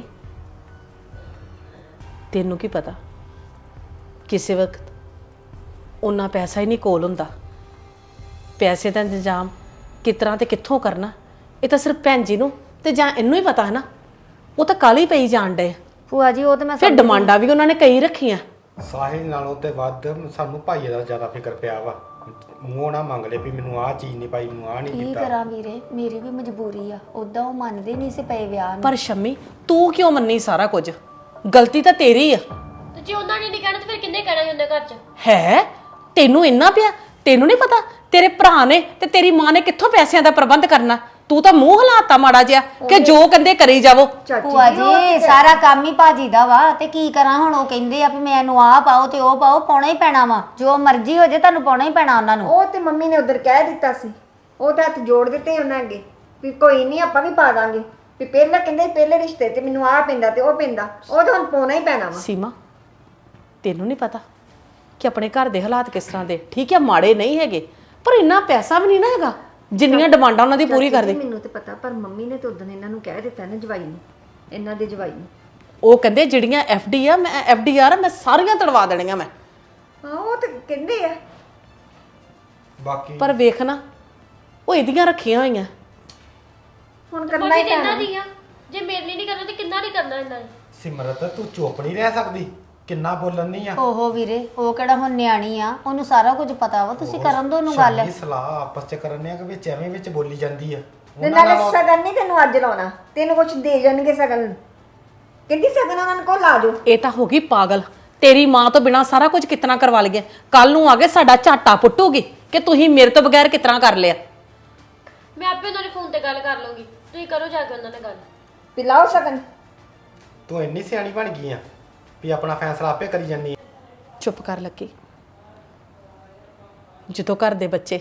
Speaker 2: ਤੈਨੂੰ ਕੀ ਪਤਾ ਕਿਸੇ ਵਕਤ ਉਹਨਾਂ ਪੈਸਾ ਹੀ ਨਹੀਂ ਕੋਲ ਹੁੰਦਾ। ਪੈਸੇ ਦਾ ਇੰਤਜ਼ਾਮ ਕਿਸ ਤਰ੍ਹਾਂ ਤੇ ਕਿੱਥੋਂ ਕਰਨਾ ਇਹ ਤਾਂ ਸਿਰਫ ਭੈਣ ਜੀ ਨੂੰ ਤੇ ਜਾਂ ਇਹਨੂੰ ਹੀ ਪਤਾ ਹੈ ਨਾ। ਉਹ ਤਾਂ ਕਾਲੀ ਪਈ ਜਾਣ ਡੇ।
Speaker 6: ਭੂਆ ਜੀ ਉਹ ਤੇ ਮੈਂ
Speaker 2: ਫਿਰ ਡਿਮਾਂਡਾਂ ਵੀ ਉਹਨਾਂ ਨੇ ਕਈ ਰੱਖੀਆਂ।
Speaker 4: ਸਾਹਿਲ ਨਾਲੋਂ ਤੇ ਵੱਧ ਸਾਨੂੰ ਭਾਈਏ ਦਾ ਜ਼ਿਆਦਾ ਫਿਕਰ ਪਿਆ ਵਾ। ਮੂੰਹ ਨਾ ਮੰਗ ਲੈ ਵੀ ਮੈਨੂੰ ਆਹ ਚੀਜ਼ ਨਹੀਂ ਪਾਈ, ਮੈਨੂੰ ਆਹ ਨਹੀਂ
Speaker 6: ਕੀ
Speaker 4: ਕੀਤਾ।
Speaker 6: ਕਰਾਂ ਵੀਰੇ, ਮੇਰੀ ਵੀ ਮਜਬੂਰੀ ਆ। ਉਦਾਂ ਉਹ ਮੰਨਦੇ ਨਹੀਂ ਸੀ ਪਏ ਵਿਆਹ ਨੂੰ।
Speaker 2: ਪਰ ਸ਼ੰਮੀ ਤੂੰ ਕਿਉਂ ਮੰਨੀ ਸਾਰਾ ਕੁਝ? ਗਲਤੀ ਤਾਂ ਤੇਰੀ ਆ।
Speaker 3: ਤੇ ਜੇ ਉਹਨਾਂ ਨੇ ਨਹੀਂ ਕਹਿਣਾ ਤੇ ਫਿਰ ਕਿੰਨੇ ਕਹਿਣਾ ਸੀ ਉਹਨਾਂ ਘਰ 'ਚ?
Speaker 2: ਹੈ ਤੈਨੂੰ ਇੰਨਾ ਪਿਆ? ਤੈਨੂੰ ਨਹੀਂ ਪਤਾ ਤੇਰੇ ਭਰਾ ਨੇ ਤੇ ਤੇਰੀ ਮਾਂ ਨੇ ਕਿੱਥੋਂ ਪੈਸਿਆਂ ਦਾ ਪ੍ਰਬੰਧ ਕਰਨਾ? ਤੂੰ ਤਾਂ ਮੂੰਹ ਹਲਾਤਾ ਮਾੜਾ ਜਿਹਾ ਕਿ ਜੋ ਕਹਿੰਦੇ ਕਰੀ ਜਾਵੋ।
Speaker 6: ਭੂਆ ਜੀ ਸਾਰਾ ਕੰਮ ਹੀ ਭਾਜੀ ਦਾ ਵਾ ਤੇ ਕੀ ਕਰਾਂ ਹੁਣ? ਉਹ ਕਹਿੰਦੇ ਆ ਵੀ ਮੈਨੂੰ ਆਹ ਪਾਓ ਤੇ ਉਹ ਪਾਓ, ਪਾਉਣਾ ਹੀ ਪੈਣਾ ਵਾ। ਜੋ ਮਰਜ਼ੀ ਹੋ ਜੇ ਤੁਹਾਨੂੰ ਪਾਉਣਾ ਹੀ ਪੈਣਾ ਉਹਨਾਂ ਨੂੰ।
Speaker 1: ਉਹ ਤੇ ਮੰਮੀ ਨੇ ਉਧਰ ਕਹਿ ਦਿੱਤਾ ਸੀ, ਉਹ ਤਾਂ ਹੱਥ ਜੋੜ ਦਿੱਤੇ ਉਹਨਾਂ ਅੱਗੇ ਵੀ ਕੋਈ ਨਹੀਂ ਆਪਾਂ ਵੀ ਪਾ ਦਾਂਗੇ। ਵੀ ਪਹਿਲਾਂ ਕਹਿੰਦੇ ਪਹਿਲੇ ਰਿਸ਼ਤੇ ਤੇ ਮੈਨੂੰ ਆਹ ਪੈਂਦਾ ਤੇ ਉਹ ਪੈਂਦਾ, ਉਹ ਤਾਂ ਹੁਣ ਪਾਉਣਾ ਹੀ ਪੈਣਾ ਵਾ।
Speaker 2: ਸੀਮਾ ਤੈਨੂੰ ਨਹੀਂ ਪਤਾ ਕਿ ਆਪਣੇ ਘਰ ਦੇ ਹਾਲਾਤ ਕਿਸ ਤਰ੍ਹਾਂ ਦੇ? ਠੀਕ ਹੈ ਮਾੜੇ ਨਹੀਂ ਹੈਗੇ, ਪਰ ਇੰਨਾ ਪੈਸਾ ਵੀ ਨਹੀਂ ਨਾ ਹੈਗਾ ਜਿੰਨੀਆਂ ਡਿਮਾਂਡਾਂ ਉਹਨਾਂ ਦੀ ਪੂਰੀ ਕਰਦੇ।
Speaker 1: ਮੈਨੂੰ ਤੇ ਪਤਾ, ਪਰ ਮੰਮੀ ਨੇ ਤਾਂ ਉਦੋਂ ਇਹਨਾਂ ਨੂੰ ਕਹਿ ਦਿੱਤਾ ਨਾ ਜਵਾਈ ਨੂੰ, ਇਹਨਾਂ ਦੇ ਜਵਾਈ ਨੂੰ।
Speaker 2: ਉਹ ਕਹਿੰਦੇ ਜਿਹੜੀਆਂ ਐਫਡੀ ਆ ਮੈਂ ਐਫਡੀਆਰ ਆ ਮੈਂ ਸਾਰੀਆਂ ਤੜਵਾ ਦੇਣੀਆਂ ਮੈਂ।
Speaker 1: ਹਾਂ ਉਹ ਤਾਂ ਕਹਿੰਦੇ ਆ।
Speaker 4: ਬਾਕੀ
Speaker 2: ਪਰ ਵੇਖ ਨਾ ਉਹ ਇਹਦੀਆਂ ਰੱਖੀਆਂ ਹੋਈਆਂ।
Speaker 1: ਹੁਣ ਕਰਨਾ
Speaker 3: ਬਾਕੀ
Speaker 1: ਹੀ
Speaker 3: ਤੇ
Speaker 1: ਪੈਣਾ।
Speaker 3: ਇਹਨਾਂ ਦੀ ਆ। ਜੇ ਮੇਰੇ ਲਈ ਨਹੀਂ ਕਰਨਾ ਤੇ ਕਿੰਨਾ ਨਹੀਂ ਕਰਨਾ ਇਹਨਾਂ ਨੇ?
Speaker 4: ਸਿਮਰਤ ਤੂੰ ਚੁੱਪ ਨਹੀਂ ਰਹਿ ਸਕਦੀ, ਕਿੰਨਾ ਬੋਲਣ ਨਹੀਂ ਆ।
Speaker 6: ਓਹੋ ਵੀਰੇ, ਉਹ ਕਿਹੜਾ ਹੁਣ ਨਿਆਣੀ ਆ, ਉਹਨੂੰ ਸਾਰਾ ਕੁਝ ਪਤਾ ਵਾ। ਤੁਸੀਂ ਕਰਨ ਦੋ ਉਹਨੂੰ ਗੱਲ।
Speaker 4: ਸ਼ਾਮੀ ਸਲਾਹ ਆਪਸ ਚ ਕਰਨੇ ਆ ਕਿ ਵਿੱਚ ਐਵੇਂ ਵਿੱਚ ਬੋਲੀ ਜਾਂਦੀ ਆ।
Speaker 1: ਤੇ ਨਾਲੇ ਸਗਨ ਨਹੀਂ ਤੈਨੂੰ ਅੱਜ ਲਾਉਣਾ, ਤੈਨੂੰ ਕੁਝ ਦੇ ਜਾਣਗੇ ਸਗਨ। ਕਹਿੰਦੀ ਸਗਨ ਉਹਨਾਂ ਨੂੰ ਕੋਲ ਲਾ ਦਿਓ।
Speaker 2: ਇਹ ਤਾਂ ਹੋ ਗਈ ਪਾਗਲ। ਤੇਰੀ ਮਾਂ ਤੋਂ ਬਿਨਾ ਸਾਰਾ ਕੁਝ ਕਿਤਨਾ ਕਰਵਾ ਲਈਏ। ਕੱਲ ਨੂੰ ਆ ਕੇ ਸਾਡਾ ਝਾਟਾ ਪੁੱਟੂਗੀ ਕਿ ਤੁਸੀਂ ਮੇਰੇ ਤੋਂ ਬਗੈਰ ਕਿਤਨਾ ਕਰ ਲਿਆ।
Speaker 3: ਮੈਂ ਆਪੇ ਉਹਨਾਂ ਦੇ ਫੋਨ ਤੇ ਗੱਲ ਕਰ ਲਵਾਂਗੀ, ਤੁਸੀਂ ਕਰੋ ਜਾ ਕੇ ਉਹਨਾਂ ਨਾਲ ਗੱਲ।
Speaker 1: ਪਿਲਾਓ ਸਗਨ।
Speaker 4: ਤੂੰ ਇੰਨੀ ਸਿਆਣੀ ਬਣ ਗਈ ਆ ਵੀ ਆਪਣਾ ਫੈਸਲਾ ਆਪੇ ਕਰੀ ਜਾਂਦੀ ਆ।
Speaker 2: ਚੁੱਪ ਕਰ ਲੱਗੀ। ਜਦੋਂ ਘਰ ਦੇ ਬੱਚੇ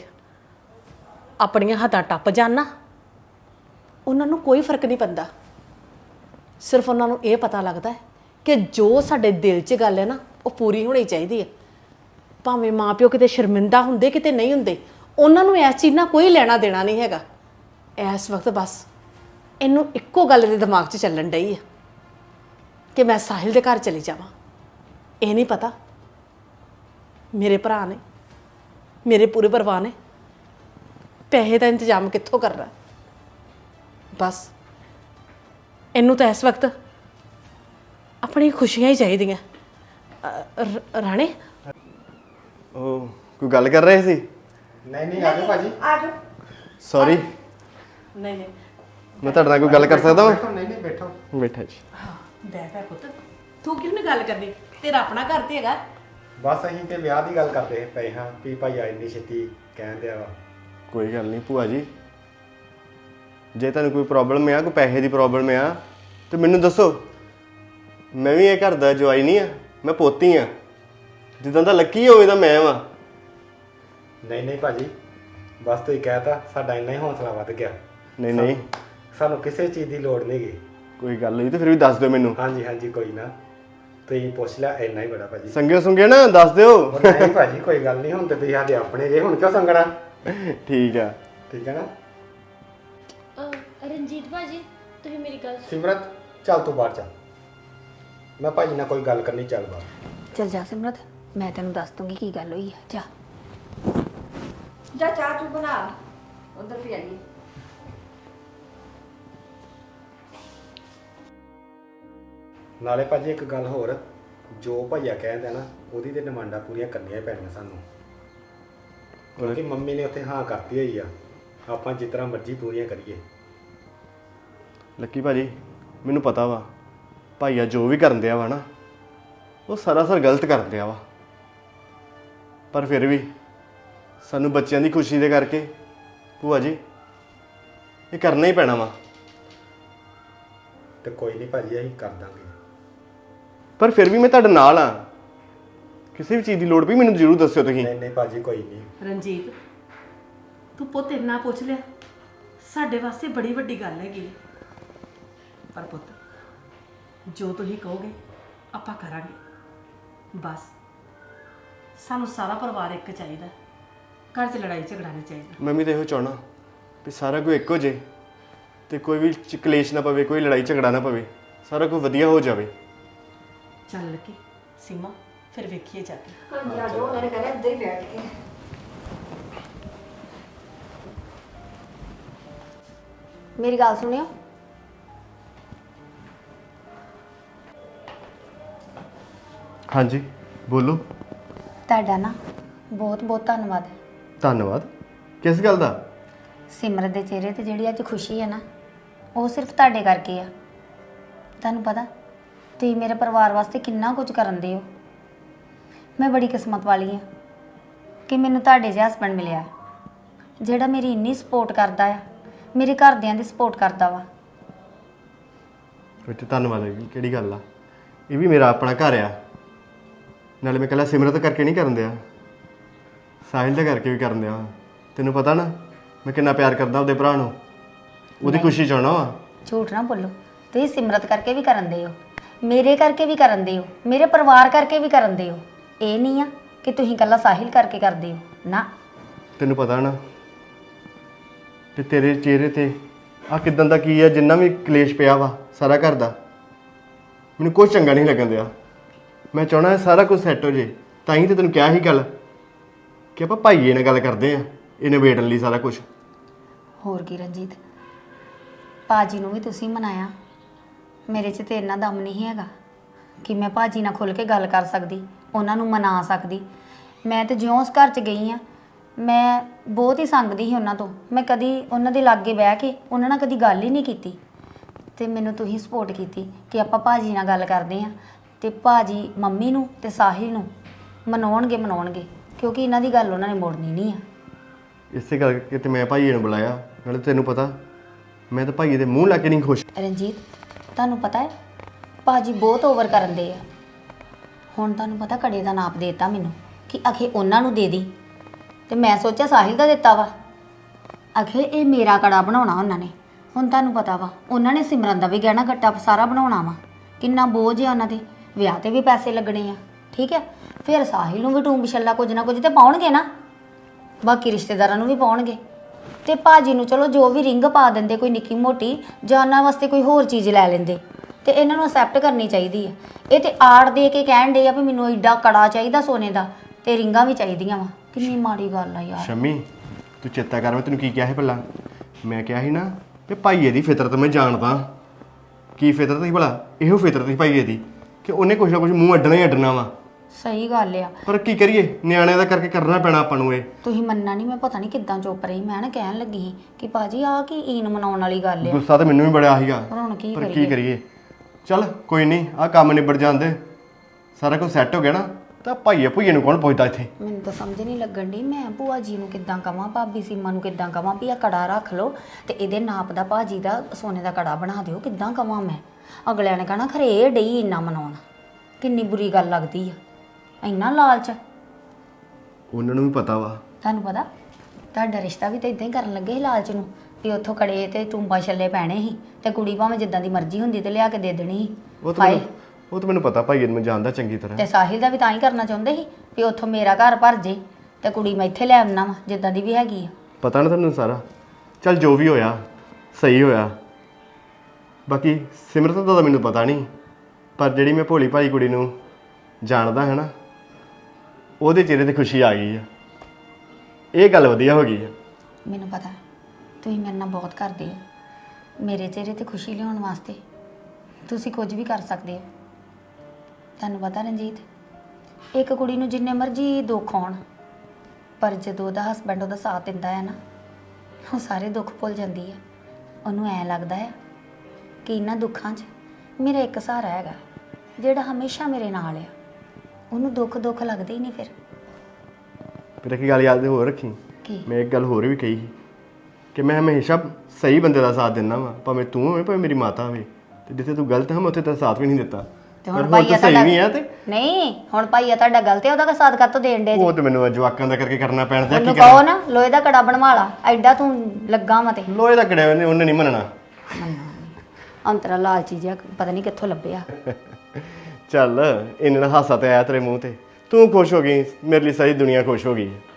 Speaker 2: ਆਪਣੀਆਂ ਹੱਦਾਂ ਟੱਪ ਜਾਣ ਨਾ ਉਹਨਾਂ ਨੂੰ ਕੋਈ ਫਰਕ ਨਹੀਂ ਪੈਂਦਾ। ਸਿਰਫ ਉਹਨਾਂ ਨੂੰ ਇਹ ਪਤਾ ਲੱਗਦਾ ਹੈ ਕਿ ਜੋ ਸਾਡੇ ਦਿਲ 'ਚ ਗੱਲ ਹੈ ਨਾ ਉਹ ਪੂਰੀ ਹੋਣੀ ਚਾਹੀਦੀ ਹੈ। ਭਾਵੇਂ ਮਾਪਿਓ ਕਿਤੇ ਸ਼ਰਮਿੰਦਾ ਹੁੰਦੇ ਕਿਤੇ ਨਹੀਂ ਹੁੰਦੇ, ਉਹਨਾਂ ਨੂੰ ਇਸ ਚੀਜ਼ ਨਾਲ ਕੋਈ ਲੈਣਾ ਦੇਣਾ ਨਹੀਂ ਹੈਗਾ। ਇਸ ਵਕਤ ਬਸ ਇਹਨੂੰ ਇੱਕੋ ਗੱਲ ਦੇ ਦਿਮਾਗ 'ਚ ਚੱਲਣ ਡਈ ਆ ਕਿ ਮੈਂ ਸਾਹਿਲ ਦੇ ਘਰ ਚਲੀ ਜਾਵਾਂ। ਇਹ ਨਹੀਂ ਪਤਾ ਮੇਰੇ ਭਰਾ ਨੇ, ਮੇਰੇ ਪੂਰੇ ਪਰਿਵਾਰ ਨੇ ਪੈਸੇ ਦਾ ਇੰਤਜ਼ਾਮ ਕਿੱਥੋਂ ਕਰਨਾ। ਬਸ ਇਹਨੂੰ ਤਾਂ ਇਸ ਵਕਤ ਆਪਣੀ ਖੁਸ਼ੀਆਂ ਹੀ ਚਾਹੀਦੀਆਂ। ਰਾਣੇ
Speaker 9: ਉਹ ਕੋਈ ਗੱਲ ਕਰ ਰਹੇ ਸੀ?
Speaker 4: ਨਹੀਂ ਆ ਜਾਓ ਭਾਜੀ।
Speaker 9: ਸੌਰੀ,
Speaker 2: ਨਹੀਂ ਨਹੀਂ
Speaker 9: ਮੈਂ ਤੁਹਾਡੇ ਨਾਲ ਕੋਈ ਗੱਲ ਕਰ ਸਕਦਾ
Speaker 4: ਬੈਠੋ,
Speaker 9: ਹਾਂ?
Speaker 4: ਨਹੀਂ ਬੈਠੋ।
Speaker 9: ਬੈਠਾ ਜੀ।
Speaker 2: ਬਹਿ ਬਹਿ ਪੁੱਤ, ਤੂੰ ਕਿਉਂ ਨਹੀਂ ਗੱਲ ਕਰਨੀ? ਤੇਰਾ ਆਪਣਾ ਘਰ ਤੇ ਹੈਗਾ।
Speaker 4: ਬਸ ਅਸੀਂ ਤੇ ਵਿਆਹ ਦੀ ਗੱਲ ਕਰਦੇ ਪਏ ਹਾਂ ਵੀ ਭਾਈ ਆ ਇੰਨੀ ਛੇਤੀ ਕਹਿਣ ਦਿਆ ਵਾ।
Speaker 9: ਕੋਈ ਗੱਲ ਨਹੀਂ ਭੂਆ ਜੀ, ਜੇ ਤੁਹਾਨੂੰ ਕੋਈ ਪ੍ਰੋਬਲਮ ਆ, ਕੋਈ ਪੈਸੇ ਦੀ ਪ੍ਰੋਬਲਮ ਆ ਤੇ ਮੈਨੂੰ ਦੱਸੋ। ਮੈਂ ਵੀ ਇਹ ਘਰ ਦਾ ਜਵਾਈ ਨਹੀਂ ਆ, ਮੈਂ ਪੋਤੀ ਆ। ਜਿੱਦਾਂ ਦਾ ਲੱਕੀ ਹੋਵੇ ਤਾਂ ਮੈਂ ਵਾਂ।
Speaker 4: ਨਹੀਂ ਭਾਜੀ, ਬਸ ਤੁਸੀਂ ਕਹਿਤਾ ਸਾਡਾ ਇੰਨਾ ਹੀ ਹੌਸਲਾ ਵੱਧ ਗਿਆ।
Speaker 9: ਨਹੀਂ
Speaker 4: ਸਾਨੂੰ ਕਿਸੇ ਚੀਜ਼ ਦੀ ਲੋੜ ਨਹੀਂ ਗੀ।
Speaker 9: ਕੋਈ ਗੱਲ ਨਹੀਂ ਤੇ ਫਿਰ ਵੀ ਦੱਸ ਦਿਓ ਮੈਨੂੰ।
Speaker 4: ਹਾਂਜੀ ਕੋਈ ਨਾ, ਤੁਸੀਂ ਪੁੱਛ ਲਿਆ ਇੰਨਾ ਹੀ ਬੜਾ ਭਾਜੀ।
Speaker 9: ਸੰਗੇ ਸੁੰਗੇ ਨਾ ਦੱਸ ਦਿਓ।
Speaker 4: ਉਹ ਨਹੀਂ ਭਾਜੀ ਕੋਈ ਗੱਲ ਨਹੀਂ, ਹੁਣ ਤੇ ਤੁਸੀਂ ਸਾਡੇ ਆਪਣੇ ਜੇ, ਹੁਣ ਕਿਉਂ ਸੰਗਣਾ।
Speaker 9: ਠੀਕ ਆ।
Speaker 4: ਠੀਕ ਹੈ ਨਾ
Speaker 3: ਰਣਜੀਤ ਭਾਜੀ, ਤੁਸੀਂ ਮੇਰੀ ਗੱਲ
Speaker 4: ਸਿਮਰਤ, ਚੱਲ ਤੂੰ ਬਾਹਰ ਚੱਲ, ਮੈਂ ਭਾਜੀ ਨਾਲ ਕੋਈ ਗੱਲ ਕਰਨੀ, ਚੱਲ ਬਾਹਰ।
Speaker 6: ਚਲ ਜਾ ਸਿਮਰਤ, ਮੈਂ ਤੈਨੂੰ ਦੱਸ ਦੂੰਗੀ ਕੀ ਗੱਲ ਹੋਈ ਆ। ਜਾ
Speaker 1: ਜਾ ਚਾਹ ਤੂੰ ਬਣਾ, ਉਧਰ ਵੀ ਆਈਏ।
Speaker 4: ਨਾਲੇ ਭਾਜੀ ਇੱਕ ਗੱਲ ਹੋਰ, ਜੋ ਭਈਆ ਕਹਿੰਦਾ ਨਾ ਉਹਦੀ ਤੇ ਡਿਮਾਂਡਾਂ ਪੂਰੀਆਂ ਕਰਨੀਆਂ ਹੀ ਪੈਣੀਆਂ ਸਾਨੂੰ, ਕਿਉਂਕਿ ਮੰਮੀ ਨੇ ਉੱਥੇ ਹਾਂ ਕਰਤੀ ਹੋਈ ਆ। ਆਪਾਂ ਜਿਸ ਤਰ੍ਹਾਂ ਮਰਜ਼ੀ ਪੂਰੀਆਂ ਕਰੀਏ।
Speaker 9: ਲੱਕੀ ਭਾਜੀ, ਮੈਨੂੰ ਪਤਾ ਵਾ ਭਾਈਆ ਜੋ ਵੀ ਕਰਨ ਦਿਆ ਵਾ ਨਾ, ਉਹ ਸਰਾਸਰ ਗਲਤ ਕਰਨ ਦਿਆ ਵਾ। ਪਰ ਫਿਰ ਵੀ ਸਾਨੂੰ ਬੱਚਿਆਂ ਦੀ ਖੁਸ਼ੀ ਦੇ ਕਰਕੇ ਭੂਆ ਜੀ ਇਹ ਕਰਨਾ ਹੀ ਪੈਣਾ ਵਾ।
Speaker 4: ਤੇ ਕੋਈ ਨਹੀਂ ਭਾਜੀ, ਅਸੀਂ ਕਰ ਦਾਂਗੇ।
Speaker 9: ਪਰ ਫਿਰ ਵੀ ਮੈਂ ਤੁਹਾਡੇ ਨਾਲ ਆ। ਕਿਸੇ ਵੀ ਚੀਜ਼ ਦੀ ਲੋੜ ਪਈ ਮੈਨੂੰ ਜ਼ਰੂਰ ਦੱਸਿਓ ਤੁਸੀਂ।
Speaker 4: ਨਹੀਂ ਭਾਜੀ ਕੋਈ ਨਹੀਂ।
Speaker 2: ਰਣਜੀਤ, ਤੂੰ ਪੁੱਤ ਇੰਨਾ ਪੁੱਛ ਲਿਆ, ਸਾਡੇ ਵਾਸਤੇ ਬੜੀ ਵੱਡੀ ਗੱਲ ਹੈਗੀ। ਪਰ ਪੁੱਤ ਜੋ ਤੁਸੀਂ ਕਹੋਗੇ ਆਪਾਂ ਕਰਾਂਗੇ। ਬਸ ਸਾਨੂੰ ਸਾਰਾ ਪਰਿਵਾਰ ਇੱਕ ਚਾਹੀਦਾ, ਘਰ 'ਚ ਲੜਾਈ ਝਗੜਾ ਨਹੀਂ ਚਾਹੀਦਾ।
Speaker 9: ਮੈਂ ਵੀ ਤਾਂ ਇਹੋ ਚਾਹਣਾ ਵੀ ਸਾਰਾ ਕੁਝ ਇੱਕੋ ਜੇ ਤੇ ਕੋਈ ਵੀ ਕਲੇਸ਼ ਨਾ ਪਵੇ, ਕੋਈ ਲੜਾਈ ਝਗੜਾ ਨਾ ਪਵੇ, ਸਾਰਾ ਕੁਝ ਵਧੀਆ ਹੋ ਜਾਵੇ।
Speaker 2: ਚੱਲ ਲੱਕੀ, ਸੀਮਾ ਫਿਰ ਵੇਖੀਏ ਜਾ ਕੇ।
Speaker 1: ਹਾਂਜੀ ਆ ਜਾਓ, ਉਹਨਾਂ ਨੇ ਕਹਿੰਦਾ ਇੱਧਰ ਹੀ ਬੈਠ ਕੇ।
Speaker 6: ਮੇਰੀ ਗੱਲ ਸੁਣਿਓ।
Speaker 9: ਹਾਂਜੀ ਬੋਲੋ।
Speaker 6: ਤੁਹਾਡਾ ਨਾ ਬਹੁਤ ਬਹੁਤ ਧੰਨਵਾਦ।
Speaker 9: ਧੰਨਵਾਦ। ਕਿਸ ਗੱਲ ਦਾ?
Speaker 6: ਸਿਮਰਤ ਦੇ ਚਿਹਰੇ ਤੇ ਜਿਹੜੀ ਅੱਜ ਖੁਸ਼ੀ ਹੈ ਨਾ, ਉਹ ਸਿਰਫ ਤੁਹਾਡੇ ਕਰਕੇ ਆ। ਤੁਹਾਨੂੰ ਪਤਾ ਤੁਸੀਂ ਮੇਰੇ ਪਰਿਵਾਰ ਵਾਸਤੇ ਕਿੰਨਾ ਕੁਝ ਕਰਨ ਦੇ ਹੋ। ਮੈਂ ਬੜੀ ਕਿਸਮਤ ਵਾਲੀ ਹਾਂ ਕਿ ਮੈਨੂੰ ਤੁਹਾਡੇ ਜਿਹਾ ਹਸਬੈਂਡ ਮਿਲਿਆ ਜਿਹੜਾ ਮੇਰੀ ਇੰਨੀ ਸਪੋਰਟ ਕਰਦਾ ਆ, ਮੇਰੇ ਘਰਦਿਆਂ ਦੀ ਸਪੋਰਟ ਕਰਦਾ ਵਾ।
Speaker 9: ਵਿੱਚ ਧੰਨਵਾਦ ਹੈ ਜੀ, ਕਿਹੜੀ ਗੱਲ ਆ। ਇਹ ਵੀ ਮੇਰਾ ਆਪਣਾ ਘਰ ਆ। ਨਾਲੇ ਮੈਂ ਇਕੱਲਾ ਸਿਮਰਤ ਕਰਕੇ ਨਹੀਂ ਕਰਨ ਦਿਆ, ਸਾਹਿਲ ਦੇ ਕਰਕੇ ਵੀ ਕਰਨ ਦਿਆ। ਤੈਨੂੰ ਪਤਾ ਨਾ ਮੈਂ ਕਿੰਨਾ ਪਿਆਰ ਕਰਦਾ ਉਹਦੇ ਭਰਾ ਨੂੰ, ਉਹਦੀ ਖੁਸ਼ੀ ਚਾਹਣਾ ਵਾ।
Speaker 6: ਝੂਠ ਨਾ ਬੋਲੋ, ਤੁਸੀਂ ਸਿਮਰਤ ਕਰਕੇ ਵੀ ਕਰਨ ਦੇ ਹੋ, ਮੇਰੇ ਕਰਕੇ ਵੀ ਕਰਨ ਦੇ ਹੋ, ਮੇਰੇ ਪਰਿਵਾਰ ਕਰਕੇ ਵੀ ਕਰਨ ਦੇ ਹੋ। ਇਹ ਨਹੀਂ ਆ ਕਿ ਤੁਸੀਂ ਇਕੱਲਾ ਸਾਹਿਲ ਕਰਕੇ ਕਰਦੇ ਹੋ ਨਾ।
Speaker 9: ਤੈਨੂੰ ਪਤਾ ਨਾ ਕਿ ਤੇਰੇ ਚਿਹਰੇ ਤੇ ਆ ਕਿਦਾਂ ਦਾ ਕੀ ਆ, ਜਿੰਨਾ ਵੀ ਕਲੇਸ਼ ਪਿਆ ਵਾ ਸਾਰਾ ਘਰ ਦਾ, ਮੈਨੂੰ ਕੁਝ ਚੰਗਾ ਨਹੀਂ ਲੱਗਣ ਦਿਆ। ਮੈਂ ਚਾਹਣਾ ਸਾਰਾ ਕੁਝ ਸੈੱਟ ਹੋ ਜੇ। ਤਾਂ ਹੀ ਤੇ ਤੈਨੂੰ ਕਿਹਾ ਸੀ ਗੱਲ ਕਿ ਆਪਾਂ ਭਾਈਏ ਨਾਲ ਗੱਲ ਕਰਦੇ ਆ, ਇਹ ਨਿਬੇੜਨ ਲਈ ਸਾਰਾ ਕੁਝ।
Speaker 6: ਹੋਰ ਕੀ ਰਣਜੀਤ, ਭਾਜੀ ਨੂੰ ਵੀ ਤੁਸੀਂ ਮਨਾਇਆ। ਮੇਰੇ 'ਚ ਤੇ ਇੰਨਾ ਦਮ ਨਹੀਂ ਹੈਗਾ ਕਿ ਮੈਂ ਭਾਜੀ ਨਾਲ ਖੁੱਲ੍ਹ ਕੇ ਗੱਲ ਕਰ ਸਕਦੀ, ਉਹਨਾਂ ਨੂੰ ਮਨਾ ਸਕਦੀ। ਮੈਂ ਤੇ ਜਿਉਂ ਉਸ ਘਰ 'ਚ ਗਈ ਆ, ਮੈਂ ਬਹੁਤ ਹੀ ਸੰਗਦੀ ਸੀ ਉਹਨਾਂ ਤੋਂ। ਮੈਂ ਕਦੀ ਉਹਨਾਂ ਦੇ ਲਾਗੇ ਬਹਿ ਕੇ ਉਹਨਾਂ ਨਾਲ ਕਦੀ ਗੱਲ ਹੀ ਨਹੀਂ ਕੀਤੀ। ਤੇ ਮੈਨੂੰ ਤੁਸੀਂ ਸਪੋਰਟ ਕੀਤੀ ਕਿ ਆਪਾਂ ਭਾਜੀ ਨਾਲ ਗੱਲ ਕਰਦੇ ਆ, ਤੇ ਭਾਜੀ ਮੰਮੀ ਨੂੰ ਤੇ ਸਾਹਿਲ ਨੂੰ ਮਨਾਉਣਗੇ, ਕਿਉਂਕਿ ਇਹਨਾਂ ਦੀ ਗੱਲ ਉਹਨਾਂ ਨੇ ਮੋੜਨੀ ਨਹੀਂ ਆ।
Speaker 9: ਇਸੇ ਕਰਕੇ ਤੇ ਮੈਂ ਭਾਈਏ ਨੂੰ ਬੁਲਾਇਆ। ਨਾਲੇ ਤੈਨੂੰ ਪਤਾ ਮੈਂ ਤਾਂ ਭਾਈਏ ਦੇ ਮੂੰਹ ਲਾ ਕੇ ਨਹੀਂ ਖੁਸ਼।
Speaker 6: ਰਣਜੀਤ, ਤੁਹਾਨੂੰ ਪਤਾ ਹੈ ਭਾਜੀ ਬਹੁਤ ਓਵਰ ਕਰਨ ਦੇ ਆ। ਹੁਣ ਤੁਹਾਨੂੰ ਪਤਾ ਕੜੇ ਦਾ ਨਾਪ ਦੇਤਾ ਮੈਨੂੰ ਕਿ ਅਖੇ ਉਹਨਾਂ ਨੂੰ ਦੇ ਦੀ, ਤੇ ਮੈਂ ਸੋਚਿਆ ਸਾਹਿਲ ਦਾ ਦਿੱਤਾ ਵਾ। ਅਖੇ ਇਹ ਮੇਰਾ ਕੜਾ ਬਣਾਉਣਾ ਉਹਨਾਂ ਨੇ, ਹੁਣ ਤੁਹਾਨੂੰ ਪਤਾ ਵਾ ਉਹਨਾਂ ਨੇ ਸਿਮਰਨ ਦਾ ਵੀ ਗਹਿਣਾ ਗੱਟਾ ਸਾਰਾ ਬਣਾਉਣਾ ਵਾ, ਕਿੰਨਾ ਬੋਝ ਆ ਉਹਨਾਂ ਦੇ, ਵਿਆਹ ਤੇ ਵੀ ਪੈਸੇ ਲੱਗਣੇ ਆ, ਠੀਕ ਹੈ। ਫਿਰ ਸਾਹਿਲ ਨੂੰ ਵੀ ਟੂੰਬ ਛੱਲਾ ਕੁਝ ਨਾ ਕੁਝ ਤੇ ਪਾਉਣਗੇ ਨਾ, ਬਾਕੀ ਰਿਸ਼ਤੇਦਾਰਾਂ ਨੂੰ ਵੀ ਪਾਉਣਗੇ। ਤੇ ਭਾਜੀ ਨੂੰ ਚਲੋ ਜੋ ਵੀ ਰਿੰਗ ਪਾ ਦਿੰਦੇ ਕੋਈ ਨਿੱਕੀ ਮੋਟੀ, ਜਾਂ ਉਹਨਾਂ ਵਾਸਤੇ ਕੋਈ ਹੋਰ ਚੀਜ਼ ਲੈ ਲੈਂਦੇ, ਤੇ ਇਹਨਾਂ ਨੂੰ ਅਸੈਪਟ ਕਰਨੀ ਚਾਹੀਦੀ ਹੈ। ਇਹ ਤੇ ਆੜ ਦੇ ਕੇ ਕਹਿਣ ਦੇ ਆ ਵੀ ਮੈਨੂੰ ਐਡਾ ਕੜਾ ਚਾਹੀਦਾ ਸੋਨੇ ਦਾ ਤੇ ਰਿੰਗਾਂ ਵੀ ਚਾਹੀਦੀਆਂ ਵਾ। ਕਿੰਨੀ ਮਾੜੀ ਗੱਲ ਆ ਯਾਰ।
Speaker 9: ਸ਼ਮੀ ਤੂੰ ਚੇਤਾ ਕਰ, ਮੈਂ ਤੈਨੂੰ ਕੀ ਕਿਹਾ ਸੀ ਭਲਾ? ਮੈਂ ਕਿਹਾ ਸੀ ਨਾ ਕਿ ਭਾਈਏ ਦੀ ਫਿਤਰਤ ਮੈਂ ਜਾਣਦਾ। ਕੀ ਫਿਤਰਤ ਸੀ ਭਲਾ? ਇਹੋ ਫਿਤਰਤ ਸੀ ਭਾਈਏ ਦੀ ਕਿ ਉਹਨੇ ਕੁਛ ਨਾ ਕੁਛ ਮੂੰਹ ਅੱਡਣਾ ਹੀ ਅੱਡਣਾ ਵਾ।
Speaker 6: ਸਹੀ ਗੱਲ ਆ।
Speaker 9: ਪਰ ਕੀ ਕਰੀਏ, ਨਿਆਣਿਆਂ ਦਾ ਕਰਕੇ ਕਰਨਾ ਪੈਣਾ ਆਪਾਂ ਨੂੰ ਇਹ।
Speaker 6: ਤੁਸੀਂ ਮੰਨਣਾ ਨਹੀਂ, ਮੈਂ ਪਤਾ ਨਹੀਂ ਕਿੱਦਾਂ ਚੁੱਪ ਰਹੀ। ਮੈਂ ਨਾ ਕਹਿਣ ਲੱਗੀ ਸੀ ਕਿ ਭਾਜੀ ਆਹ ਕੀ ਈਨ ਮਨਾਉਣ ਵਾਲੀ ਗੱਲ ਆ।
Speaker 9: ਗੁੱਸਾ ਤਾਂ ਮੈਨੂੰ ਵੀ ਬੜਾ ਸੀਗਾ,
Speaker 6: ਪਰ ਹੁਣ ਕੀ
Speaker 9: ਪਰ ਕੀ
Speaker 6: ਕਰੀਏ।
Speaker 9: ਕਰੀਏ। ਚੱਲ ਕੋਈ ਨਹੀਂ, ਆਹ ਕੰਮ ਨਿਬੜ ਜਾਂਦੇ, ਸਾਰਾ ਕੁਝ ਸੈੱਟ ਹੋ ਗਿਆ ਨਾ, ਤਾਂ ਭਾਈਏ ਭੂਈਏ ਨੂੰ ਕੌਣ ਪੁੱਛਦਾ ਇੱਥੇ?
Speaker 6: ਮੈਨੂੰ ਤਾਂ ਸਮਝ ਨਹੀਂ ਲੱਗਣ ਡਈ, ਮੈਂ ਭੂਆ ਜੀ ਨੂੰ ਕਿੱਦਾਂ ਕਵਾਂ, ਭਾਬੀ ਸੀਮਾ ਨੂੰ ਕਿੱਦਾਂ ਕਵਾਂ ਵੀ ਆ ਕੜਾ ਰੱਖ ਲਓ ਤੇ ਇਹਦੇ ਨਾਪ ਦਾ ਭਾਜੀ ਦਾ ਸੋਨੇ ਦਾ ਕੜਾ ਬਣਾ ਦਿਓ। ਕਿੱਦਾਂ ਕਵਾਂ ਮੈਂ? ਅਗਲਿਆਂ ਨੇ ਕਹਣਾ ਖਰੇ ਇਹ ਡਈ ਇੰਨਾ ਮਨਾਉਣ। ਕਿੰਨੀ ਬੁਰੀ ਗੱਲ ਲੱਗਦੀ ਆ, ਇੰਨਾ ਲਾਲਚ।
Speaker 9: ਉਹਨਾਂ ਨੂੰ ਵੀ ਪਤਾ ਵਾ।
Speaker 6: ਤੁਹਾਨੂੰ ਪਤਾ ਤੁਹਾਡਾ ਰਿਸ਼ਤਾ ਵੀ ਤਾਂ ਇਦਾਂ ਹੀ ਕਰਨ ਲੱਗੇ ਸੀ ਲਾਲਚ ਨੂੰ, ਵੀ ਉੱਥੋਂ ਕੜੇ ਤੇ ਟੂੰਬਾ ਛੱਲੇ ਪੈਣੇ ਸੀ ਤੇ ਕੁੜੀ ਭਾਵੇਂ ਜਿੱਦਾਂ ਦੀ ਮਰਜ਼ੀ ਹੁੰਦੀ ਤੇ ਲਿਆ ਕੇ ਦੇ ਦੇਣੀ ਸੀ।
Speaker 9: ਉਹ ਤਾਂ ਮੈਨੂੰ ਪਤਾ, ਭਾਈਏ ਨੂੰ ਮੈਂ ਜਾਣਦਾ ਚੰਗੀ ਤਰ੍ਹਾਂ।
Speaker 6: ਤੇ ਸਾਹਿਲ ਦਾ ਵੀ ਤਾਂ ਹੀ ਕਰਨਾ ਚਾਹੁੰਦੇ ਸੀ ਵੀ ਉੱਥੋਂ ਮੇਰਾ ਘਰ ਭਰ ਜੇ ਤੇ ਕੁੜੀ ਮੈਂ ਇੱਥੇ ਲੈ ਆਉਣਾ ਵਾ ਜਿੱਦਾਂ ਦੀ ਵੀ ਹੈਗੀ ਆ।
Speaker 9: ਪਤਾ ਨਾ ਤੁਹਾਨੂੰ ਸਾਰਾ। ਚੱਲ ਜੋ ਵੀ ਹੋਇਆ ਸਹੀ ਹੋਇਆ। ਬਾਕੀ ਸਿਮਰਤ ਦਾ ਤਾਂ ਮੈਨੂੰ ਪਤਾ ਨਹੀਂ, ਪਰ ਜਿਹੜੀ ਮੈਂ ਭੋਲੀ ਭਾਈ ਕੁੜੀ ਨੂੰ ਜਾਣਦਾ ਹੈ ਨਾ, ਉਹਦੇ ਚਿਹਰੇ ਤੇ ਖੁਸ਼ੀ ਆ ਗਈ ਆ। ਇਹ ਗੱਲ ਵਧੀਆ ਹੋ ਗਈ ਆ।
Speaker 6: ਮੈਨੂੰ ਪਤਾ ਤੁਸੀਂ ਮੇਰੇ ਨਾਲ ਬਹੁਤ ਕਰਦੇ ਹੋ, ਮੇਰੇ ਚਿਹਰੇ ਤੇ ਖੁਸ਼ੀ ਲਿਆਉਣ ਵਾਸਤੇ ਤੁਸੀਂ ਕੁਝ ਵੀ ਕਰ ਸਕਦੇ ਹੋ। ਤੁਹਾਨੂੰ ਪਤਾ ਰਣਜੀਤ, ਇੱਕ ਕੁੜੀ ਨੂੰ ਜਿੰਨੇ ਮਰਜ਼ੀ ਦੁੱਖ ਆਉਣ, ਪਰ ਜਦੋਂ ਉਹਦਾ ਹਸਬੈਂਡ ਉਹਦਾ ਸਾਥ ਦਿੰਦਾ ਹੈ ਨਾ, ਉਹ ਸਾਰੇ ਦੁੱਖ ਭੁੱਲ ਜਾਂਦੀ ਹੈ। ਉਹਨੂੰ ਐਂ ਲੱਗਦਾ ਹੈ ਕਿ ਇਹਨਾਂ ਦੁੱਖਾਂ 'ਚ ਮੇਰਾ ਇੱਕ ਸਹਾਰਾ ਹੈਗਾ ਜਿਹੜਾ ਹਮੇਸ਼ਾ ਮੇਰੇ ਨਾਲ ਆ। ਉਹਨੂੰ ਦੁੱਖ ਲੱਗਦੇ ਹੀ ਨਹੀਂ ਫਿਰ।
Speaker 9: ਫਿਰ ਇੱਕ ਗੱਲ ਯਾਦ ਹੋਰ ਰੱਖੀ,
Speaker 6: ਕੀ?
Speaker 9: ਮੈਂ ਇੱਕ ਗੱਲ ਹੋਰ ਵੀ ਕਹੀ ਸੀ ਕਿ ਮੈਂ ਹਮੇਸ਼ਾ ਸਹੀ ਬੰਦੇ ਦਾ ਸਾਥ ਦਿੰਦਾ ਵਾਂ, ਭਾਵੇਂ ਤੂੰ ਹੋਵੇਂ ਭਾਵੇਂ ਮੇਰੀ ਮਾਤਾ ਹੋਵੇ, ਤੇ ਜਿੱਥੇ ਤੂੰ ਗਲਤ ਹੈ ਮੈਂ ਉੱਥੇ ਤੇਰਾ ਸਾਥ ਵੀ ਨਹੀਂ ਦਿੱਤਾ।
Speaker 6: ਤੇ
Speaker 9: ਪਰ
Speaker 6: ਹੁਣ
Speaker 9: ਹੁਣ
Speaker 6: ਭਾਈਆ
Speaker 9: ਤਾਂ ਸਹੀ
Speaker 6: ਤੁਹਾਡਾ
Speaker 9: ਨਹੀਂ ਆ ਤੇ
Speaker 6: ਨਹੀਂ, ਹੁਣ ਭਾਈਆ ਤੁਹਾਡਾ ਗਲਤ ਹੈ, ਉਹਦਾ ਸਾਥ ਕਾਹਤੋਂ ਦੇਣ ਦੇ?
Speaker 9: ਉਹ ਤੇ ਮੈਨੂੰ ਜਵਾਕਾਂ ਦਾ ਕਰਕੇ ਕਰਨਾ ਪੈਣਾ ਤੇ
Speaker 6: ਉਹਨੂੰ
Speaker 9: ਕੀ
Speaker 6: ਕਹੋ
Speaker 9: ਕਰਾਂ?
Speaker 6: ਨਾ ਲੋਹੇ ਦਾ ਕੜਾ ਬਣਵਾ ਲਾ, ਐਡਾ ਤੂੰ ਲੱਗਾ ਵਾ ਤੇ।
Speaker 9: ਲੋਹੇ ਦਾ ਕੜਿਆ ਉਹਨੇ ਨਹੀਂ ਮੰਨਣਾ।
Speaker 6: ਅੰਤਰਾ ਲਾਲਚੀ ਜਿਹਾ ਪਤਾ ਨਹੀਂ ਕਿੱਥੋਂ ਲੱਭਿਆ।
Speaker 9: ਚੱਲ ਇਹਨਾਂ ਨਾਲ ਹਾਸਾ ਤੇ ਆਇਆ ਤੇਰੇ ਮੂੰਹ ਤੇ, ਤੂੰ ਖੁਸ਼ ਹੋ ਗਈ, ਮੇਰੇ ਲਈ ਸਾਰੀ ਦੁਨੀਆ ਖੁਸ਼ ਹੋ ਗਈ।